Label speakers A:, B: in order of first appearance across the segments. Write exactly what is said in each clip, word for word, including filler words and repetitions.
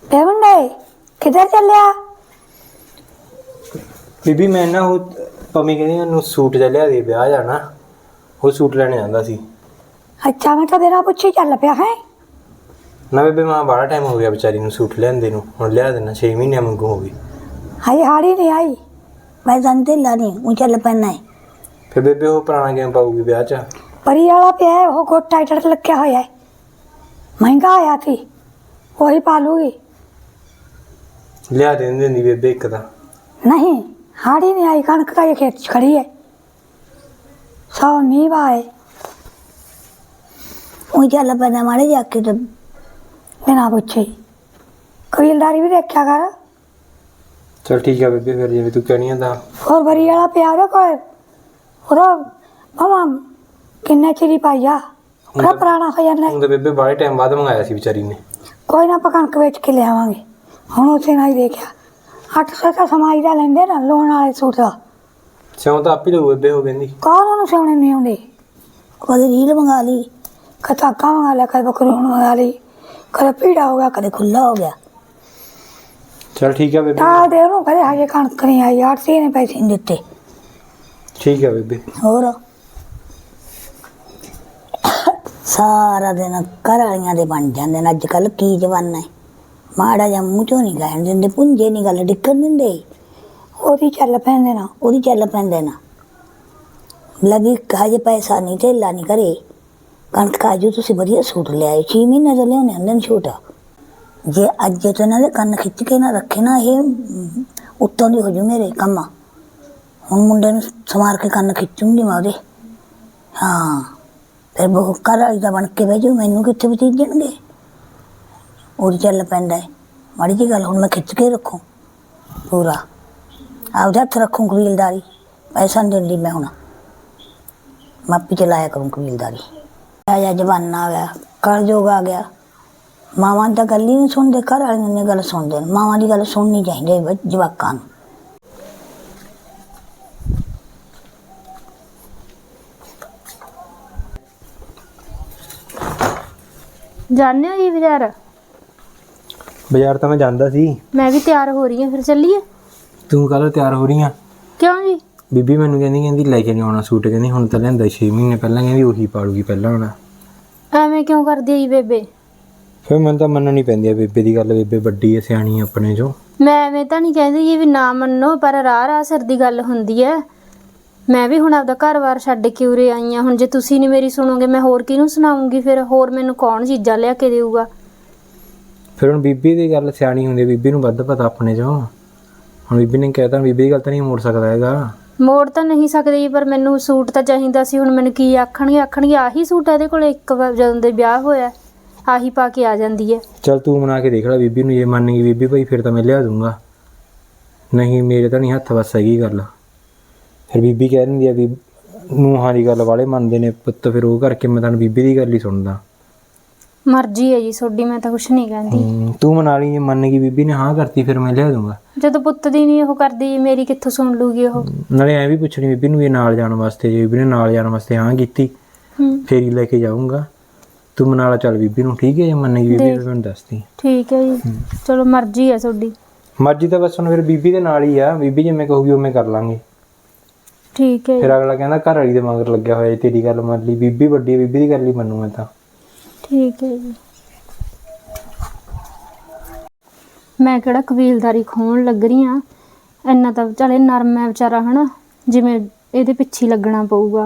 A: मुंडे किधर चलिया?
B: ਬੀਬੀ ਮੈਂ ਨਾ ਉਹ ਪੰਮੀ ਕਹਿੰਦੀ ਉਹਨੂੰ ਸੂਟ ਜਿਹਾ ਲਿਆ ਦੇ ਵਿਆਹ ਜਾਣਾ, ਉਹ ਸੂਟ ਲੈਣੇ ਜਾਂਦਾ ਸੀ।
A: अच्छा मैं तो बिना पूछे चल पिया है।
B: ਨਾ ਬੇਬੇ ਮਾਂ ਬੜਾ ਟਾਈਮ ਹੋ ਗਿਆ ਵਿਚਾਰੀ ਨੂੰ ਸੂਟ ਲਿਆਂਦੇ ਨੂੰ, ਹੁਣ ਲਿਆ ਦੇਣਾ ਛੇ ਮਹੀਨੇ ਮੰਗੂ ਹੋ ਗਈ।
A: हाई हाड़ी नहीं आई मैं जानते लानी ऊँ चल पैना है।
B: ਫਿਰ ਬੇਬੇ ਉਹ ਪੁਰਾਣਾ ਕਿਵੇਂ ਪਾਊਗੀ ਵਿਆਹ 'ਚ?
A: परी वाला पे है वो गोट टाइटर लग होया है, महंगा आया थी वही पालूगी।
B: ਲਿਆ ਦੇ ਦਿੰਦੀ ਬੇਬੇ ਇੱਕ ਤਾਂ।
A: नहीं हाड़ी नहीं आई, कणक का ये खेत खड़ी है सौ नींव आए ऊँ चल पैना मारे जाके तो बिना पूछे कबीलदारी भी देखा कर।
B: ਚਲ ਠੀਕ ਆ ਬੇਬੇ, ਫਿਰ ਜਿਵੇਂ ਤੂੰ ਕਹਿਣੀ ਆ ਤਾਂ।
A: और बरी वाला पे आवे कोई ਉਹਦਾ ਮਾਮਾ ਕਿੰਨੇ ਚਿਰੀ ਪਾਈਆ ਉਹਦਾ ਪੁਰਾਣਾ ਹੋ ਜਾਂਦਾ।
B: ਹੁਣ ਤਾਂ ਬੇਬੇ ਬਾਹਲੇ ਟਾਈਮ ਬਾਅਦ ਮੰਗਾਇਆ ਸੀ ਵਿਚਾਰੀ ਨੇ।
A: ਕੋਈ ਨਾ ਆਪਾਂ ਕਣਕ ਵੇਚ ਕੇ ਲਿਆਵਾਂਗੇ। ਹੁਣ ਉਸੇ ਨਾਲ ਹੀ ਦੇਖਿਆ ਅੱਠ ਸੌ ਤਾਂ ਸਮਾਈ ਦਾ ਲੈਂਦੇ ਨਾ ਲੋਨ ਵਾਲੇ ਸੂਟ ਦਾ।
B: ਸਿਉਂ ਤਾਂ ਆਪੀ ਲਊ ਬੇਬੇ, ਹੋ ਕਹਿੰਦੀ।
A: ਕੌਣ ਉਹਨੂੰ ਸਿਉਣੇ ਨਹੀਂ ਆਉਂਦੇ? ਕਦੇ ਰੀਲ ਮੰਗਾ ਲਈ, ਕਦੇ ਧਾਗਾ ਮੰਗਾ ਲਿਆ, ਕਦੇ ਬਕਰੂਨ ਮੰਗਾ ਲਈ, ਕਦੇ ਪੀੜਾ ਹੋ ਗਿਆ, ਕਦੇ ਖੁੱਲਾ ਹੋ ਗਿਆ।
B: ਚਲ ਠੀਕ ਆ ਬੇਬੇ,
A: ਤਾਂ ਦੇ ਉਹਨੂੰ ਕਦੇ ਹਜੇ ਕਣਕ ਨਹੀਂ ਆਈ, ਆੜਤੀ ਨੇ ਪੈਸੇ ਨਹੀਂ ਦਿੱਤੇ।
B: ਠੀਕ ਆ ਬੇਬੇ।
A: ਹੋਰ ਸਾਰਾ ਦਿਨ ਘਰ ਵਾਲੀਆਂ ਦੇ ਬਣ ਜਾਂਦੇ ਨੇ। ਅੱਜ ਕੱਲ੍ਹ ਕੀ ਜਵਾਨਾ ਹੈ, ਮਾੜਾ ਜਿਹਾ ਮੂੰਹ ਚੋਂ ਨਹੀਂ ਕਹਿਣ ਦਿੰਦੇ, ਪੁੰਜੇ ਨਹੀਂ ਗੱਲ ਡਿੱਕਣ ਦਿੰਦੇ। ਉਹਦੀ ਚੱਲ ਪੈਂਦੇ ਨਾ ਉਹਦੀ ਚੱਲ ਪੈਂਦੇ ਨਾ ਲੱਗੀ ਹਜੇ ਪੈਸਾ ਨਹੀਂ ਢੇਲਾ ਨਹੀਂ ਕਰੇ। ਕਣਕ ਕਾਜੂ ਤੁਸੀਂ ਵਧੀਆ ਸੂਟ ਲਿਆਏ, ਛੇ ਮਹੀਨੇ ਤੋਂ ਲਿਆਉਂਦੇ ਹੁੰਦੇ ਨੇ ਛੂਟ। ਜੇ ਅੱਜ ਤੋਂ ਇਹਨਾਂ ਦੇ ਕੰਨ ਖਿੱਚ ਕੇ ਨਾ ਰੱਖੇ ਨਾ, ਇਹ ਉੱਤੋਂ ਦੀ ਹੋ ਜੂ ਮੇਰੇ ਕੰਮ। ਹੁਣ ਮੁੰਡੇ ਨੂੰ ਸਮਾਰ ਕੇ ਕੰਨ ਖਿੱਚੂੰਗੀ ਮੈਂ ਉਹਦੇ। ਹਾਂ ਫਿਰ ਬਹੁ ਘਰ ਵਾਲੀ ਦਾ ਬਣ ਕੇ ਬਹਿ ਜਾਊ, ਮੈਨੂੰ ਕਿੱਥੇ ਬਤੀਜਣਗੇ। ਉਹਦੀ ਚੱਲ ਪੈਂਦਾ ਹੈ ਮਾੜੀ ਜਿਹੀ ਗੱਲ। ਹੁਣ ਮੈਂ ਖਿੱਚ ਕੇ ਰੱਖੂੰ ਪੂਰਾ, ਆਪਦੇ ਹੱਥ ਰੱਖੂੰ ਕਬੀਲਦਾਰੀ। ਪੈਸਾ ਨਹੀਂ ਦਿੰਦੀ ਮੈਂ, ਹੁਣ ਮਾਪੀ ਚਲਾਇਆ ਕਰੂੰ ਕਬੀਲਦਾਰੀ। ਆਇਆ ਜਮਾਨਾ ਆ ਗਿਆ, ਕਲਯੁੱਗ ਆ ਗਿਆ। ਮਾਵਾਂ ਦੀ ਤਾਂ ਗੱਲ ਹੀ ਨਹੀਂ ਸੁਣਦੇ, ਘਰ ਵਾਲੀਆਂ ਦੀ ਗੱਲ ਸੁਣਦੇ ਨੇ। ਮਾਵਾਂ ਦੀ ਗੱਲ ਸੁਣਨੀ ਚਾਹੀਦੀ ਹੈ ਜਵਾਕਾਂ ਨੂੰ।
C: जाने हो जी बाजार?
B: ਬਾਜ਼ਾਰ ਤਾਂ ਮੈਂ ਜਾਂਦਾ ਸੀ।
C: मैं भी तैयार हो रही हूँ, फिर चलिए।
B: ਤੂੰ ਕੱਲ ਤਿਆਰ ਹੋ ਰਹੀ ਆ?
C: क्यों जी?
B: ਬੀਬੀ ਮੈਨੂੰ ਕਹਿੰਦੀ ਕਹਿੰਦੀ ਲੈ ਕੇ ਨਹੀਂ ਆਉਣਾ ਸੂਟ, ਕਹਿੰਦੀ ਹੁਣ ਤਾਂ ਲੈਂਦਾ ਛੇ ਮਹੀਨੇ ਪਹਿਲਾਂ, ਕਹਿੰਦੀ ਉਹੀ ਪਾਲੂਗੀ ਪਹਿਲਾਂ ਹੁਣ।
C: ਐਵੇਂ ਕਿਉਂ ਕਰਦੀ ਹੈ ਜੀ ਬੇਬੇ?
B: ਫਿਰ ਮੈਨੂੰ ਤਾਂ ਮੰਨਣੀ ਪੈਂਦੀ ਆ ਬੇਬੇ ਦੀ ਗੱਲ, ਬੇਬੇ ਵੱਡੀ ਹੈ ਸਿਆਣੀ ਹੈ ਆਪਣੇ ਚੋਂ।
C: ਮੈਂ ਐਵੇਂ ਤਾਂ ਨਹੀਂ ਕਹਿੰਦੀ ਜੀ ਵੀ ਨਾ ਮੰਨੋ, ਪਰ ਰਾਹ ਰਾਹ ਸਿਰ ਦੀ ਗੱਲ ਹੁੰਦੀ ਹੈ। ਮੈਂ ਵੀ ਹੁਣ ਆਪਦਾ ਘਰ-ਬਾਰ ਛੱਡ ਕੇ ਉਰੇ ਆਈ ਹਾਂ। ਹੁਣ ਜੇ ਤੁਸੀਂ ਨਹੀਂ ਮੇਰੀ ਸੁਣੋਗੇ ਮੈਂ ਹੋਰ ਕਿਹਨੂੰ ਸੁਣਾਉਂਗੀ? ਫਿਰ ਹੋਰ ਮੈਨੂੰ ਕੌਣ ਚੀਜ਼ਾਂ ਲਿਆ ਕੇ ਦੇਊਗਾ?
B: ਫਿਰ ਹੁਣ ਬੀਬੀ ਦੀ ਗੱਲ ਸਿਆਣੀ ਹੁੰਦੀ, ਬੀਬੀ ਨੂੰ ਵੱਧ ਪਤਾ ਆਪਣੇ ਚੋਂ। ਹੁਣ ਬੀਬੀ ਨੇ ਕਹਿਤਾ, ਬੀਬੀ ਦੀ ਗੱਲ ਤਾਂ ਨਹੀਂ ਮੋੜ ਸਕਦਾ ਹੈਗਾ।
C: ਮੋੜ ਤਾਂ ਨਹੀਂ ਸਕਦੇ ਜੀ, ਪਰ ਮੈਨੂੰ ਸੂਟ ਤਾਂ ਚਾਹੀਦਾ ਸੀ। ਹੁਣ ਮੈਨੂੰ ਕੀ ਆਖਣਗੇ? ਆਖਣਗੇ ਆਹੀ ਸੂਟ ਇਹਦੇ ਕੋਲ ਇੱਕ ਵਾਰ ਜਦੋਂ ਦੇ ਵਿਆਹ ਹੋਇਆ ਆਹੀ ਪਾ ਕੇ ਆ ਜਾਂਦੀ ਹੈ।
B: ਚੱਲ ਤੂੰ ਮਨਾ ਕੇ ਦੇਖ ਲੈ ਬੀਬੀ ਨੂੰ, ਜੇ ਮੰਨ ਗਈ ਬੀਬੀ ਭਾਈ ਫਿਰ ਤਾਂ ਮੈਂ ਲਿਆ ਦੂੰਗਾ, ਨਹੀਂ ਮੇਰੇ ਤਾਂ ਨਹੀਂ ਹੱਥ ਵੱਸ ਹੈਗੀ ਗੱਲ। ਫਿਰ ਬੀਬੀ ਕਹਿ ਦਿੰਦੀ ਆ ਵੀ ਨੂੰਹਾਂ ਦੀ ਗੱਲ ਵਾਲੇ ਮੰਨਦੇ ਨੇ ਪੁੱਤ, ਫਿਰ ਉਹ ਕਰਕੇ ਮੈਂ ਤਾਂ ਬੀਬੀ ਦੀ ਗੱਲ ਹੀ ਸੁਣਦਾ।
C: ਮਰਜ਼ੀ ਹੈ ਜੀ ਤੁਹਾਡੀ, ਮੈਂ ਤਾਂ ਕੁਛ ਨਹੀਂ ਕਹਿੰਦੀ।
B: ਤੂੰ ਮਨਾ ਲਈ, ਜੇ ਮੰਨ ਗਈ ਬੀਬੀ ਨੇ ਹਾਂ ਕਰਤੀ ਫਿਰ ਮੈਂ ਲਿਆ ਦੂੰਗਾ।
C: ਜਦੋਂ ਪੁੱਤ ਦੀ ਨਹੀਂ ਉਹ ਕਰਦੀ, ਮੇਰੀ ਕਿੱਥੋਂ ਸੁਣ ਲੂਗੀ ਉਹ?
B: ਨਾਲੇ ਐਂ ਵੀ ਪੁੱਛਣੀ ਬੀਬੀ ਨੂੰ ਇਹ ਨਾਲ ਜਾਣ ਵਾਸਤੇ, ਜੇ ਬੀਬੀ ਨੇ ਨਾਲ ਜਾਣ ਵਾਸਤੇ ਹਾਂ ਕੀਤੀ ਫੇਰ ਹੀ ਲੈ ਕੇ ਜਾਊਂਗਾ। ਤੂੰ ਮਨਾ ਲਾ ਚੱਲ ਬੀਬੀ ਨੂੰ, ਠੀਕ ਹੈ? ਜੇ ਮੰਨ ਗਈ ਬੀਬੀ ਫਿਰ ਮੈਨੂੰ ਦੱਸਦੀ।
C: ਠੀਕ ਹੈ ਜੀ, ਚਲੋ ਮਰਜ਼ੀ ਹੈ ਤੁਹਾਡੀ।
B: ਮਰਜ਼ੀ ਤਾਂ ਬਸ ਹੁਣ ਫਿਰ ਬੀਬੀ ਦੇ ਨਾਲ ਹੀ ਆ, ਬੀਬੀ ਜਿਵੇਂ ਕਹੂਗੀ ਉਵੇਂ ਕਰ ਲਾਂਗੇ।
C: ਠੀਕ ਹੈ।
B: ਫਿਰ ਅਗਲਾ ਕਹਿੰਦਾ ਘਰ ਵਾਲੀ ਦੇ ਮਗਰ ਲੱਗਿਆ ਹੋਇਆ, ਤੇਰੀ ਗੱਲ ਮੰਨ ਲਈ, ਬੀਬੀ ਵੱਡੀ ਹੈ, ਬੀਬੀ ਦੀ ਗੱਲ ਹੀ ਮੰਨੂ ਮੈਂ ਤਾਂ।
C: ਠੀਕ ਹੈ ਜੀ। ਮੈਂ ਕਿਹੜਾ ਕਬੀਲਦਾਰੀ ਖੋਣ ਲੱਗ ਰਹੀ ਹਾਂ, ਇੰਨਾ ਤਾਂ ਚੱਲ ਇਹ ਨਰਮ ਹੈ ਵਿਚਾਰਾ, ਹੈ ਨਾ, ਜਿਵੇਂ ਇਹਦੇ ਪਿੱਛੇ ਲੱਗਣਾ ਪਊਗਾ।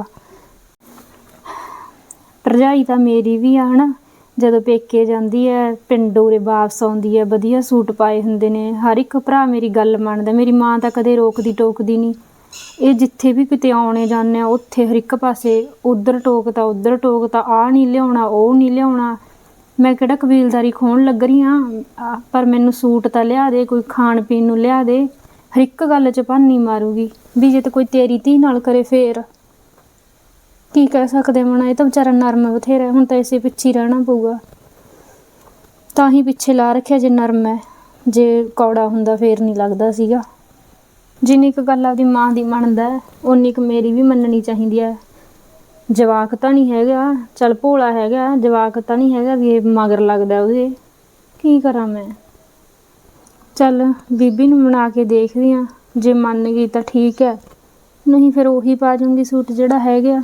C: ਭਰਜਾਈ ਤਾਂ ਮੇਰੀ ਵੀ ਆ, ਹੈ ਨਾ, ਜਦੋਂ ਪੇਕੇ ਜਾਂਦੀ ਹੈ ਪਿੰਡ ਉਰੇ ਵਾਪਸ ਆਉਂਦੀ ਹੈ ਵਧੀਆ ਸੂਟ ਪਾਏ ਹੁੰਦੇ ਨੇ, ਹਰ ਇੱਕ ਭਰਾ ਮੇਰੀ ਗੱਲ ਮੰਨਦਾ। ਮੇਰੀ ਮਾਂ ਤਾਂ ਕਦੇ ਰੋਕਦੀ ਟੋਕਦੀ ਨਹੀਂ। ਇਹ ਜਿੱਥੇ ਵੀ ਕਿਤੇ ਆਉਣੇ ਜਾਂਦੇ ਆ ਉੱਥੇ ਹਰ ਇੱਕ ਪਾਸੇ ਉੱਧਰ ਟੋਕਤਾ ਉੱਧਰ ਟੋਕਤਾ, ਆਹ ਨਹੀਂ ਲਿਆਉਣਾ ਉਹ ਨਹੀਂ ਲਿਆਉਣਾ। ਮੈਂ ਕਿਹੜਾ ਕਬੀਲਦਾਰੀ ਖੋਣ ਲੱਗ ਰਹੀ ਹਾਂ, ਪਰ ਮੈਨੂੰ ਸੂਟ ਤਾਂ ਲਿਆ ਦੇ, ਕੋਈ ਖਾਣ ਪੀਣ ਨੂੰ ਲਿਆ ਦੇ। ਹਰ ਇੱਕ ਗੱਲ 'ਚ ਭਾਨੀ ਮਾਰੂਗੀ ਵੀ ਜੇ ਤਾਂ ਕੋਈ ਤੇਰੀ ਧੀ ਨਾਲ ਕਰੇ ਫੇਰ ਕੀ ਕਹਿ ਸਕਦੇ ਮਣਾ। ਇਹ ਤਾਂ ਵਿਚਾਰਾ ਨਰਮ ਬਥੇਰਾ, ਹੁਣ ਤਾਂ ਇਸੇ ਪਿੱਛੇ ਰਹਿਣਾ ਪਊਗਾ। ਤਾਂ ਹੀ ਪਿੱਛੇ ਲਾ ਰੱਖਿਆ ਜੇ ਨਰਮ ਹੈ, ਜੇ ਕੌੜਾ ਹੁੰਦਾ ਫੇਰ ਨਹੀਂ ਲੱਗਦਾ ਸੀਗਾ। ਜਿੰਨੀ ਕੁ ਗੱਲ ਆਪਦੀ ਮਾਂ ਦੀ ਮੰਨਦਾ ਉਨੀ ਕੁ ਮੇਰੀ ਵੀ ਮੰਨਣੀ ਚਾਹੀਦੀ ਹੈ। ਜਵਾਕ ਤਾਂ ਨਹੀਂ ਹੈਗਾ, ਚੱਲ ਭੋਲਾ ਹੈਗਾ, ਜਵਾਕ ਤਾਂ ਨਹੀਂ ਹੈਗਾ ਵੀ ਇਹ ਮਗਰ ਲੱਗਦਾ ਉਹਦੇ। ਕੀ ਕਰਾਂ ਮੈਂ? ਚੱਲ ਬੀਬੀ ਨੂੰ ਮਨਾ ਕੇ ਦੇਖਦੀ ਆ, ਜੇ ਮੰਨ ਗਈ ਤਾਂ ਠੀਕ ਹੈ, ਨਹੀਂ ਫਿਰ ਉਹੀ ਪਾ ਜੂੰਗੀ ਸੂਟ ਜਿਹੜਾ ਹੈਗਾ।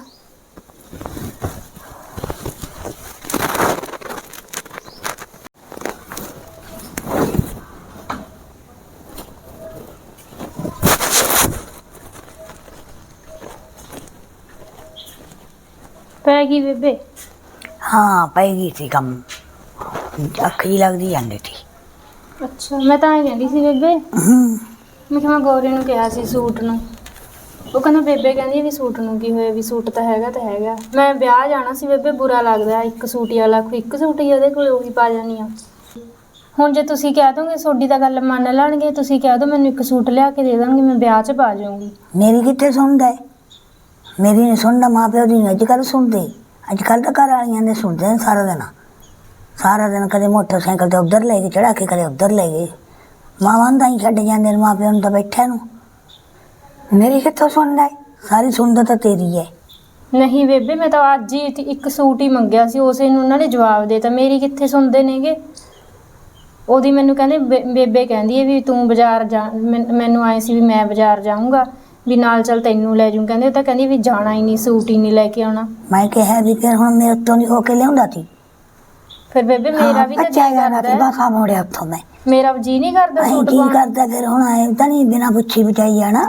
C: ਪੈ ਗਈ ਬੇਬੇ?
A: ਹਾਂ ਪੈ ਗਈ ਸੀ ਕੰਮ, ਅੱਖ ਜੀ ਲੱਗਦੀ ਜਾਂਦੀ ਸੀ।
C: ਅੱਛਾ, ਮੈਂ ਤਾਂ ਐਂ ਕਹਿੰਦੀ ਸੀ ਬੇਬੇ,
A: ਹੂੰ
C: ਮੈਂ ਕਿਹਾ ਮੈਂ ਗੌਰੀ ਨੂੰ ਕਿਹਾ ਸੀ ਸੂਟ ਨੂੰ, ਉਹ ਕਹਿੰਦਾ ਬੇਬੇ ਕਹਿੰਦੀ ਵੀ ਸੂਟ ਨੂੰ ਕੀ ਹੋਇਆ, ਵੀ ਸੂਟ ਤਾਂ ਹੈਗਾ ਤਾਂ ਹੈਗਾ। ਮੈਂ ਵਿਆਹ ਜਾਣਾ ਸੀ ਬੇਬੇ, ਬੁਰਾ ਲੱਗਦਾ ਇੱਕ ਸੂਟ ਹੀ ਵਾਲਾ, ਇੱਕ ਸੂਟ ਹੀ ਉਹਦੇ ਕੋਲ, ਉਹੀ ਪਾ ਜਾਣੀ ਆ। ਹੁਣ ਜੇ ਤੁਸੀਂ ਕਹਿ ਦੋਗੇ ਤੁਹਾਡੀ ਤਾਂ ਗੱਲ ਮੰਨ ਲੈਣਗੇ, ਤੁਸੀਂ ਕਹਿ ਦੋ ਮੈਨੂੰ ਇੱਕ ਸੂਟ ਲਿਆ ਕੇ ਦੇ ਦੇਣਗੇ, ਮੈਂ ਵਿਆਹ 'ਚ ਪਾ ਜਾਊਂਗੀ।
A: ਮੇਰੀ ਕਿੱਥੇ ਸੁਣਦਾ ਹੈ, ਮੇਰੀ ਨਹੀਂ ਸੁਣਦਾ, ਮਾਂ ਪਿਓ ਦੀ ਨਹੀਂ ਅੱਜ ਕੱਲ੍ਹ ਸੁਣਦੇ। ਅੱਜ ਕੱਲ੍ਹ ਤਾਂ ਘਰ ਵਾਲੀਆਂ ਦੇ ਸੁਣਦੇ ਨੇ ਸਾਰਾ ਦਿਨ, ਸਾਰਾ ਦਿਨ ਕਦੇ ਮੋਟਰਸਾਈਕਲ 'ਤੇ ਉੱਧਰ ਲੈ ਗਏ ਚੜਾ ਕੇ, ਕਦੇ ਉੱਧਰ ਲੈ ਗਏ। ਮਾਵਾਂ ਦਾ ਹੀ ਛੱਡ ਜਾਂਦੇ ਨੇ ਮਾਂ ਪਿਓ ਨੂੰ ਤਾਂ ਬੈਠਿਆਂ ਨੂੰ। ਮੇਰੀ ਕਿੱਥੋਂ ਸੁਣਦਾ ਹੈ, ਸਾਰੀ ਸੁਣਦਾ ਤਾਂ ਤੇਰੀ ਹੈ।
C: ਨਹੀਂ ਬੇਬੇ, ਮੈਂ ਤਾਂ ਅੱਜ ਹੀ ਇੱਕ ਸੂਟ ਹੀ ਮੰਗਿਆ ਸੀ, ਉਸੇ ਨੂੰ ਉਹਨਾਂ ਨੇ ਜਵਾਬ ਦੇ ਤਾ। ਮੇਰੀ ਕਿੱਥੇ ਸੁਣਦੇ ਨੇਗੇ। ਉਹਦੀ ਮੈਨੂੰ ਕਹਿੰਦੇ ਬੇ- ਬੇਬੇ ਕਹਿੰਦੀ ਹੈ ਵੀ ਤੂੰ ਬਾਜ਼ਾਰ ਜਾ, ਮੈਨ- ਮੈਨੂੰ ਆਏ ਸੀ ਵੀ ਮੈਂ ਬਾਜ਼ਾਰ ਜਾਊਂਗਾ, ਵੀ ਨਾਲ ਚੱਲ ਤੈਨੂੰ ਲੈ ਜੂ। ਕਹਿੰਦੇ ਉਹ ਤਾਂ ਕਹਿੰਦੀ ਵੀ ਜਾਣਾ ਹੀ ਨਹੀਂ, ਸੂਟ ਹੀ ਨਹੀਂ ਲੈ ਕੇ ਆਉਣਾ।
A: ਮੈਂ ਕਿਹਾ ਵੀ ਫਿਰ ਹੁਣ ਮੇਰੇ ਤੋਂ ਨਹੀਂ ਹੋ ਕੇ ਲਿਆਉਂਦਾ ਸੀ।
C: ਫਿਰ ਬੇਬੇ ਮੇਰਾ ਵੀ ਤਾਂ
A: ਬੱਚਾ
C: ਜੀ
A: ਜਾਣਾ ਸੀ,
C: ਕਰਦਾ,
A: ਬਾਸਾ ਮੋੜਿਆ ਉੱਥੋਂ ਮੈਂ।
C: ਮੇਰਾ ਜੀ ਨਹੀਂ ਕਰਦਾ
A: ਅਸੀਂ
C: ਸੂਟ
A: ਕੀ
C: ਪਾਉਣ।
A: ਕਰਦਾ ਫਿਰ ਹੁਣ, ਆਏ ਤਾਂ ਨਹੀਂ ਬਿਨਾਂ ਪੁੱਛੀ ਬਚਾਈ ਜਾਣਾ।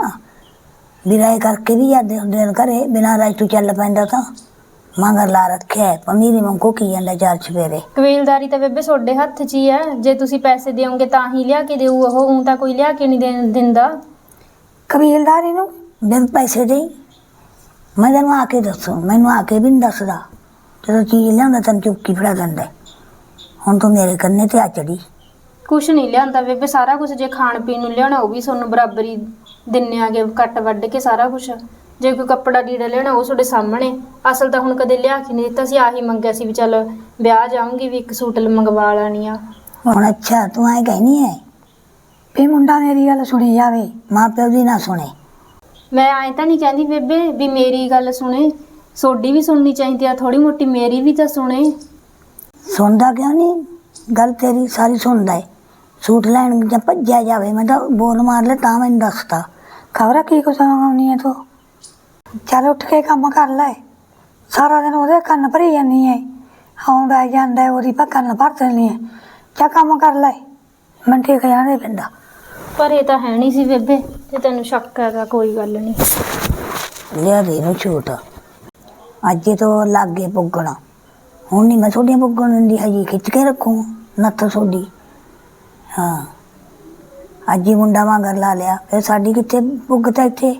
A: ਬਿਰਾਏ ਕਰਕੇ ਵੀ ਜਾਂਦੇ ਹੁੰਦੇ ਨੇ ਘਰੇ, ਬਿਨਾਂ ਰਾਜ ਤੋਂ ਚੱਲ ਪੈਂਦਾ ਤਾਂ ਮਗਰ ਲਾ ਰੱਖਿਆ ਪਮੀਰੀ ਮੰਗੋ ਕੀ ਜਾਂਦਾ ਚਾਰ ਚਫੇਰੇ।
C: ਕਬੀਲਦਾਰੀ ਤਾਂ ਬੇਬੇ ਤੁਹਾਡੇ ਹੱਥ 'ਚ ਹੀ ਹੈ, ਜੇ ਤੁਸੀਂ ਪੈਸੇ ਦਿਓਗੇ ਤਾਂ ਹੀ ਲਿਆ ਕੇ ਦੇਊ ਉਹ, ਊਂ ਤਾਂ ਕੋਈ ਲਿਆ ਕੇ ਨਹੀਂ ਦੇ ਦਿੰਦਾ।
A: ਕਬੀਲਦਾਰੀ ਨੂੰ ਬਿਨ ਪੈਸੇ ਦੇ ਮੈਂ ਤੈਨੂੰ ਆ ਕੇ ਦੱਸੂ, ਮੈਨੂੰ ਆ ਕੇ ਵੀ ਨਹੀਂ ਦੱਸਦਾ। ਜਦੋਂ ਚੀਜ਼ ਲਿਆਉਂਦਾ ਤੈਨੂੰ ਚੁੱਕੀ ਫੜਾ ਦਿੰਦਾ। ਹੁਣ ਤੂੰ ਮੇਰੇ ਕੰਨੇ ਤੇ ਆ ਚੜੀ।
C: ਕੁਛ ਨਹੀਂ ਲਿਆਂਦਾ ਬੇਬੇ, ਸਾਰਾ ਕੁਝ ਜੇ ਖਾਣ ਪੀਣ ਨੂੰ ਲਿਆਉਣਾ ਉਹ ਵੀ ਤੁਹਾਨੂੰ ਬਰਾਬਰ ਹੀ ਦਿੰਨੇ ਆਗੇ, ਕੱਟ ਵੱਢ ਕੇ ਸਾਰਾ ਕੁਝ। ਜੇ ਕੋਈ ਕੱਪੜਾ ਲੀੜਾ ਲੈਣਾ ਉਹ ਤੁਹਾਡੇ ਸਾਹਮਣੇ। ਅਸਲ ਤਾਂ ਹੁਣ ਕਦੇ ਲਿਆ ਕੇ ਨਹੀਂ ਦਿੱਤਾ ਸੀ, ਆਹੀ ਮੰਗਿਆ ਸੀ ਵੀ ਚੱਲ ਵਿਆਹ ਜਾਊਂਗੀ ਵੀ ਇੱਕ ਸੂਟ ਮੰਗਵਾ ਲੈਣੀ ਆ।
A: ਹੁਣ ਅੱਛਾ ਤੂੰ ਐ ਕਹਿਨੀ ਹੈ ਵੀ ਮੁੰਡਾ ਮੇਰੀ ਗੱਲ ਸੁਣੀ ਜਾਵੇ, ਮਾਂ ਪਿਓ ਦੀ ਨਾ ਸੁਣੇ।
C: ਮੈਂ ਐਂ ਤਾਂ ਨਹੀਂ ਕਹਿੰਦੀ ਬੇਬੇ ਵੀ ਮੇਰੀ ਗੱਲ ਸੁਣੇ, ਤੁਹਾਡੀ ਵੀ ਸੁਣਨੀ ਚਾਹੀਦੀ ਆ ਥੋੜੀ ਮੋਟੀ, ਮੇਰੀ ਵੀ ਤਾਂ ਸੁਣੇ।
A: ਸੁਣਦਾ ਕਿਉਂ ਨਹੀਂ, ਗੱਲ ਤੇਰੀ ਸਾਰੀ ਸੁਣਦਾ ਹੈ। ਸੂਟ ਲੈਣ ਜਾਂ ਭੱਜਿਆ ਜਾਵੇ, ਮੈਂ ਤਾਂ ਬੋਲ ਮਾਰ ਲੈ ਤਾਂ ਮੈਨੂੰ ਦੱਸਦਾ। ਖਬਰ ਕੀ ਕੁਛ ਮੰਗਾਉਣੀ ਹੈ ਤੂੰ। ਚੱਲ ਉੱਠ ਕੇ ਕੰਮ ਕਰ ਲੈ, ਸਾਰਾ ਦਿਨ ਉਹਦੇ ਕੰਨ ਭਰੀ ਜਾਂਦੀ ਹੈ, ਆਉਂਦਾ ਜਾਂਦਾ ਉਹਦੀ ਪਾ ਕੰਨ ਭਰ ਦਿੰਦੀ ਹੈ। ਚਾ ਕੰਮ ਕਰ ਲੈ, ਮੈਨੂੰ ਠੀਕ ਜਾਣੇ ਪੈਂਦਾ।
C: ਪਰ ਇਹ ਤਾਂ ਹੈ ਨਹੀਂ ਸੀ ਬੇਬੇ, ਤੇ ਤੈਨੂੰ ਸ਼ੱਕ ਹੈਗਾ ਕੋਈ ਗੱਲ ਨਹੀਂ।
A: ਲਿਆ ਦੇ ਨੂੰ ਛੂਟ, ਅੱਜ ਤੋਂ ਲਾਗੇ ਪੁੱਗਣਾ। ਹੁਣ ਨਹੀਂ ਮੈਂ ਤੁਹਾਡੀਆਂ ਪੁੱਗਣ ਦਿੰਦੀ, ਹਜੀ ਖਿੱਚ ਕੇ ਰੱਖੂ ਨੱਥ ਤੁਹਾਡੀ। ਹਾਂ ਅੱਜ ਹੀ ਮੁੰਡਾ ਵਾਂਗਰ ਲਾ ਲਿਆ, ਫਿਰ ਸਾਡੀ ਕਿੱਥੇ ਪੁੱਗਤਾ ਇੱਥੇ।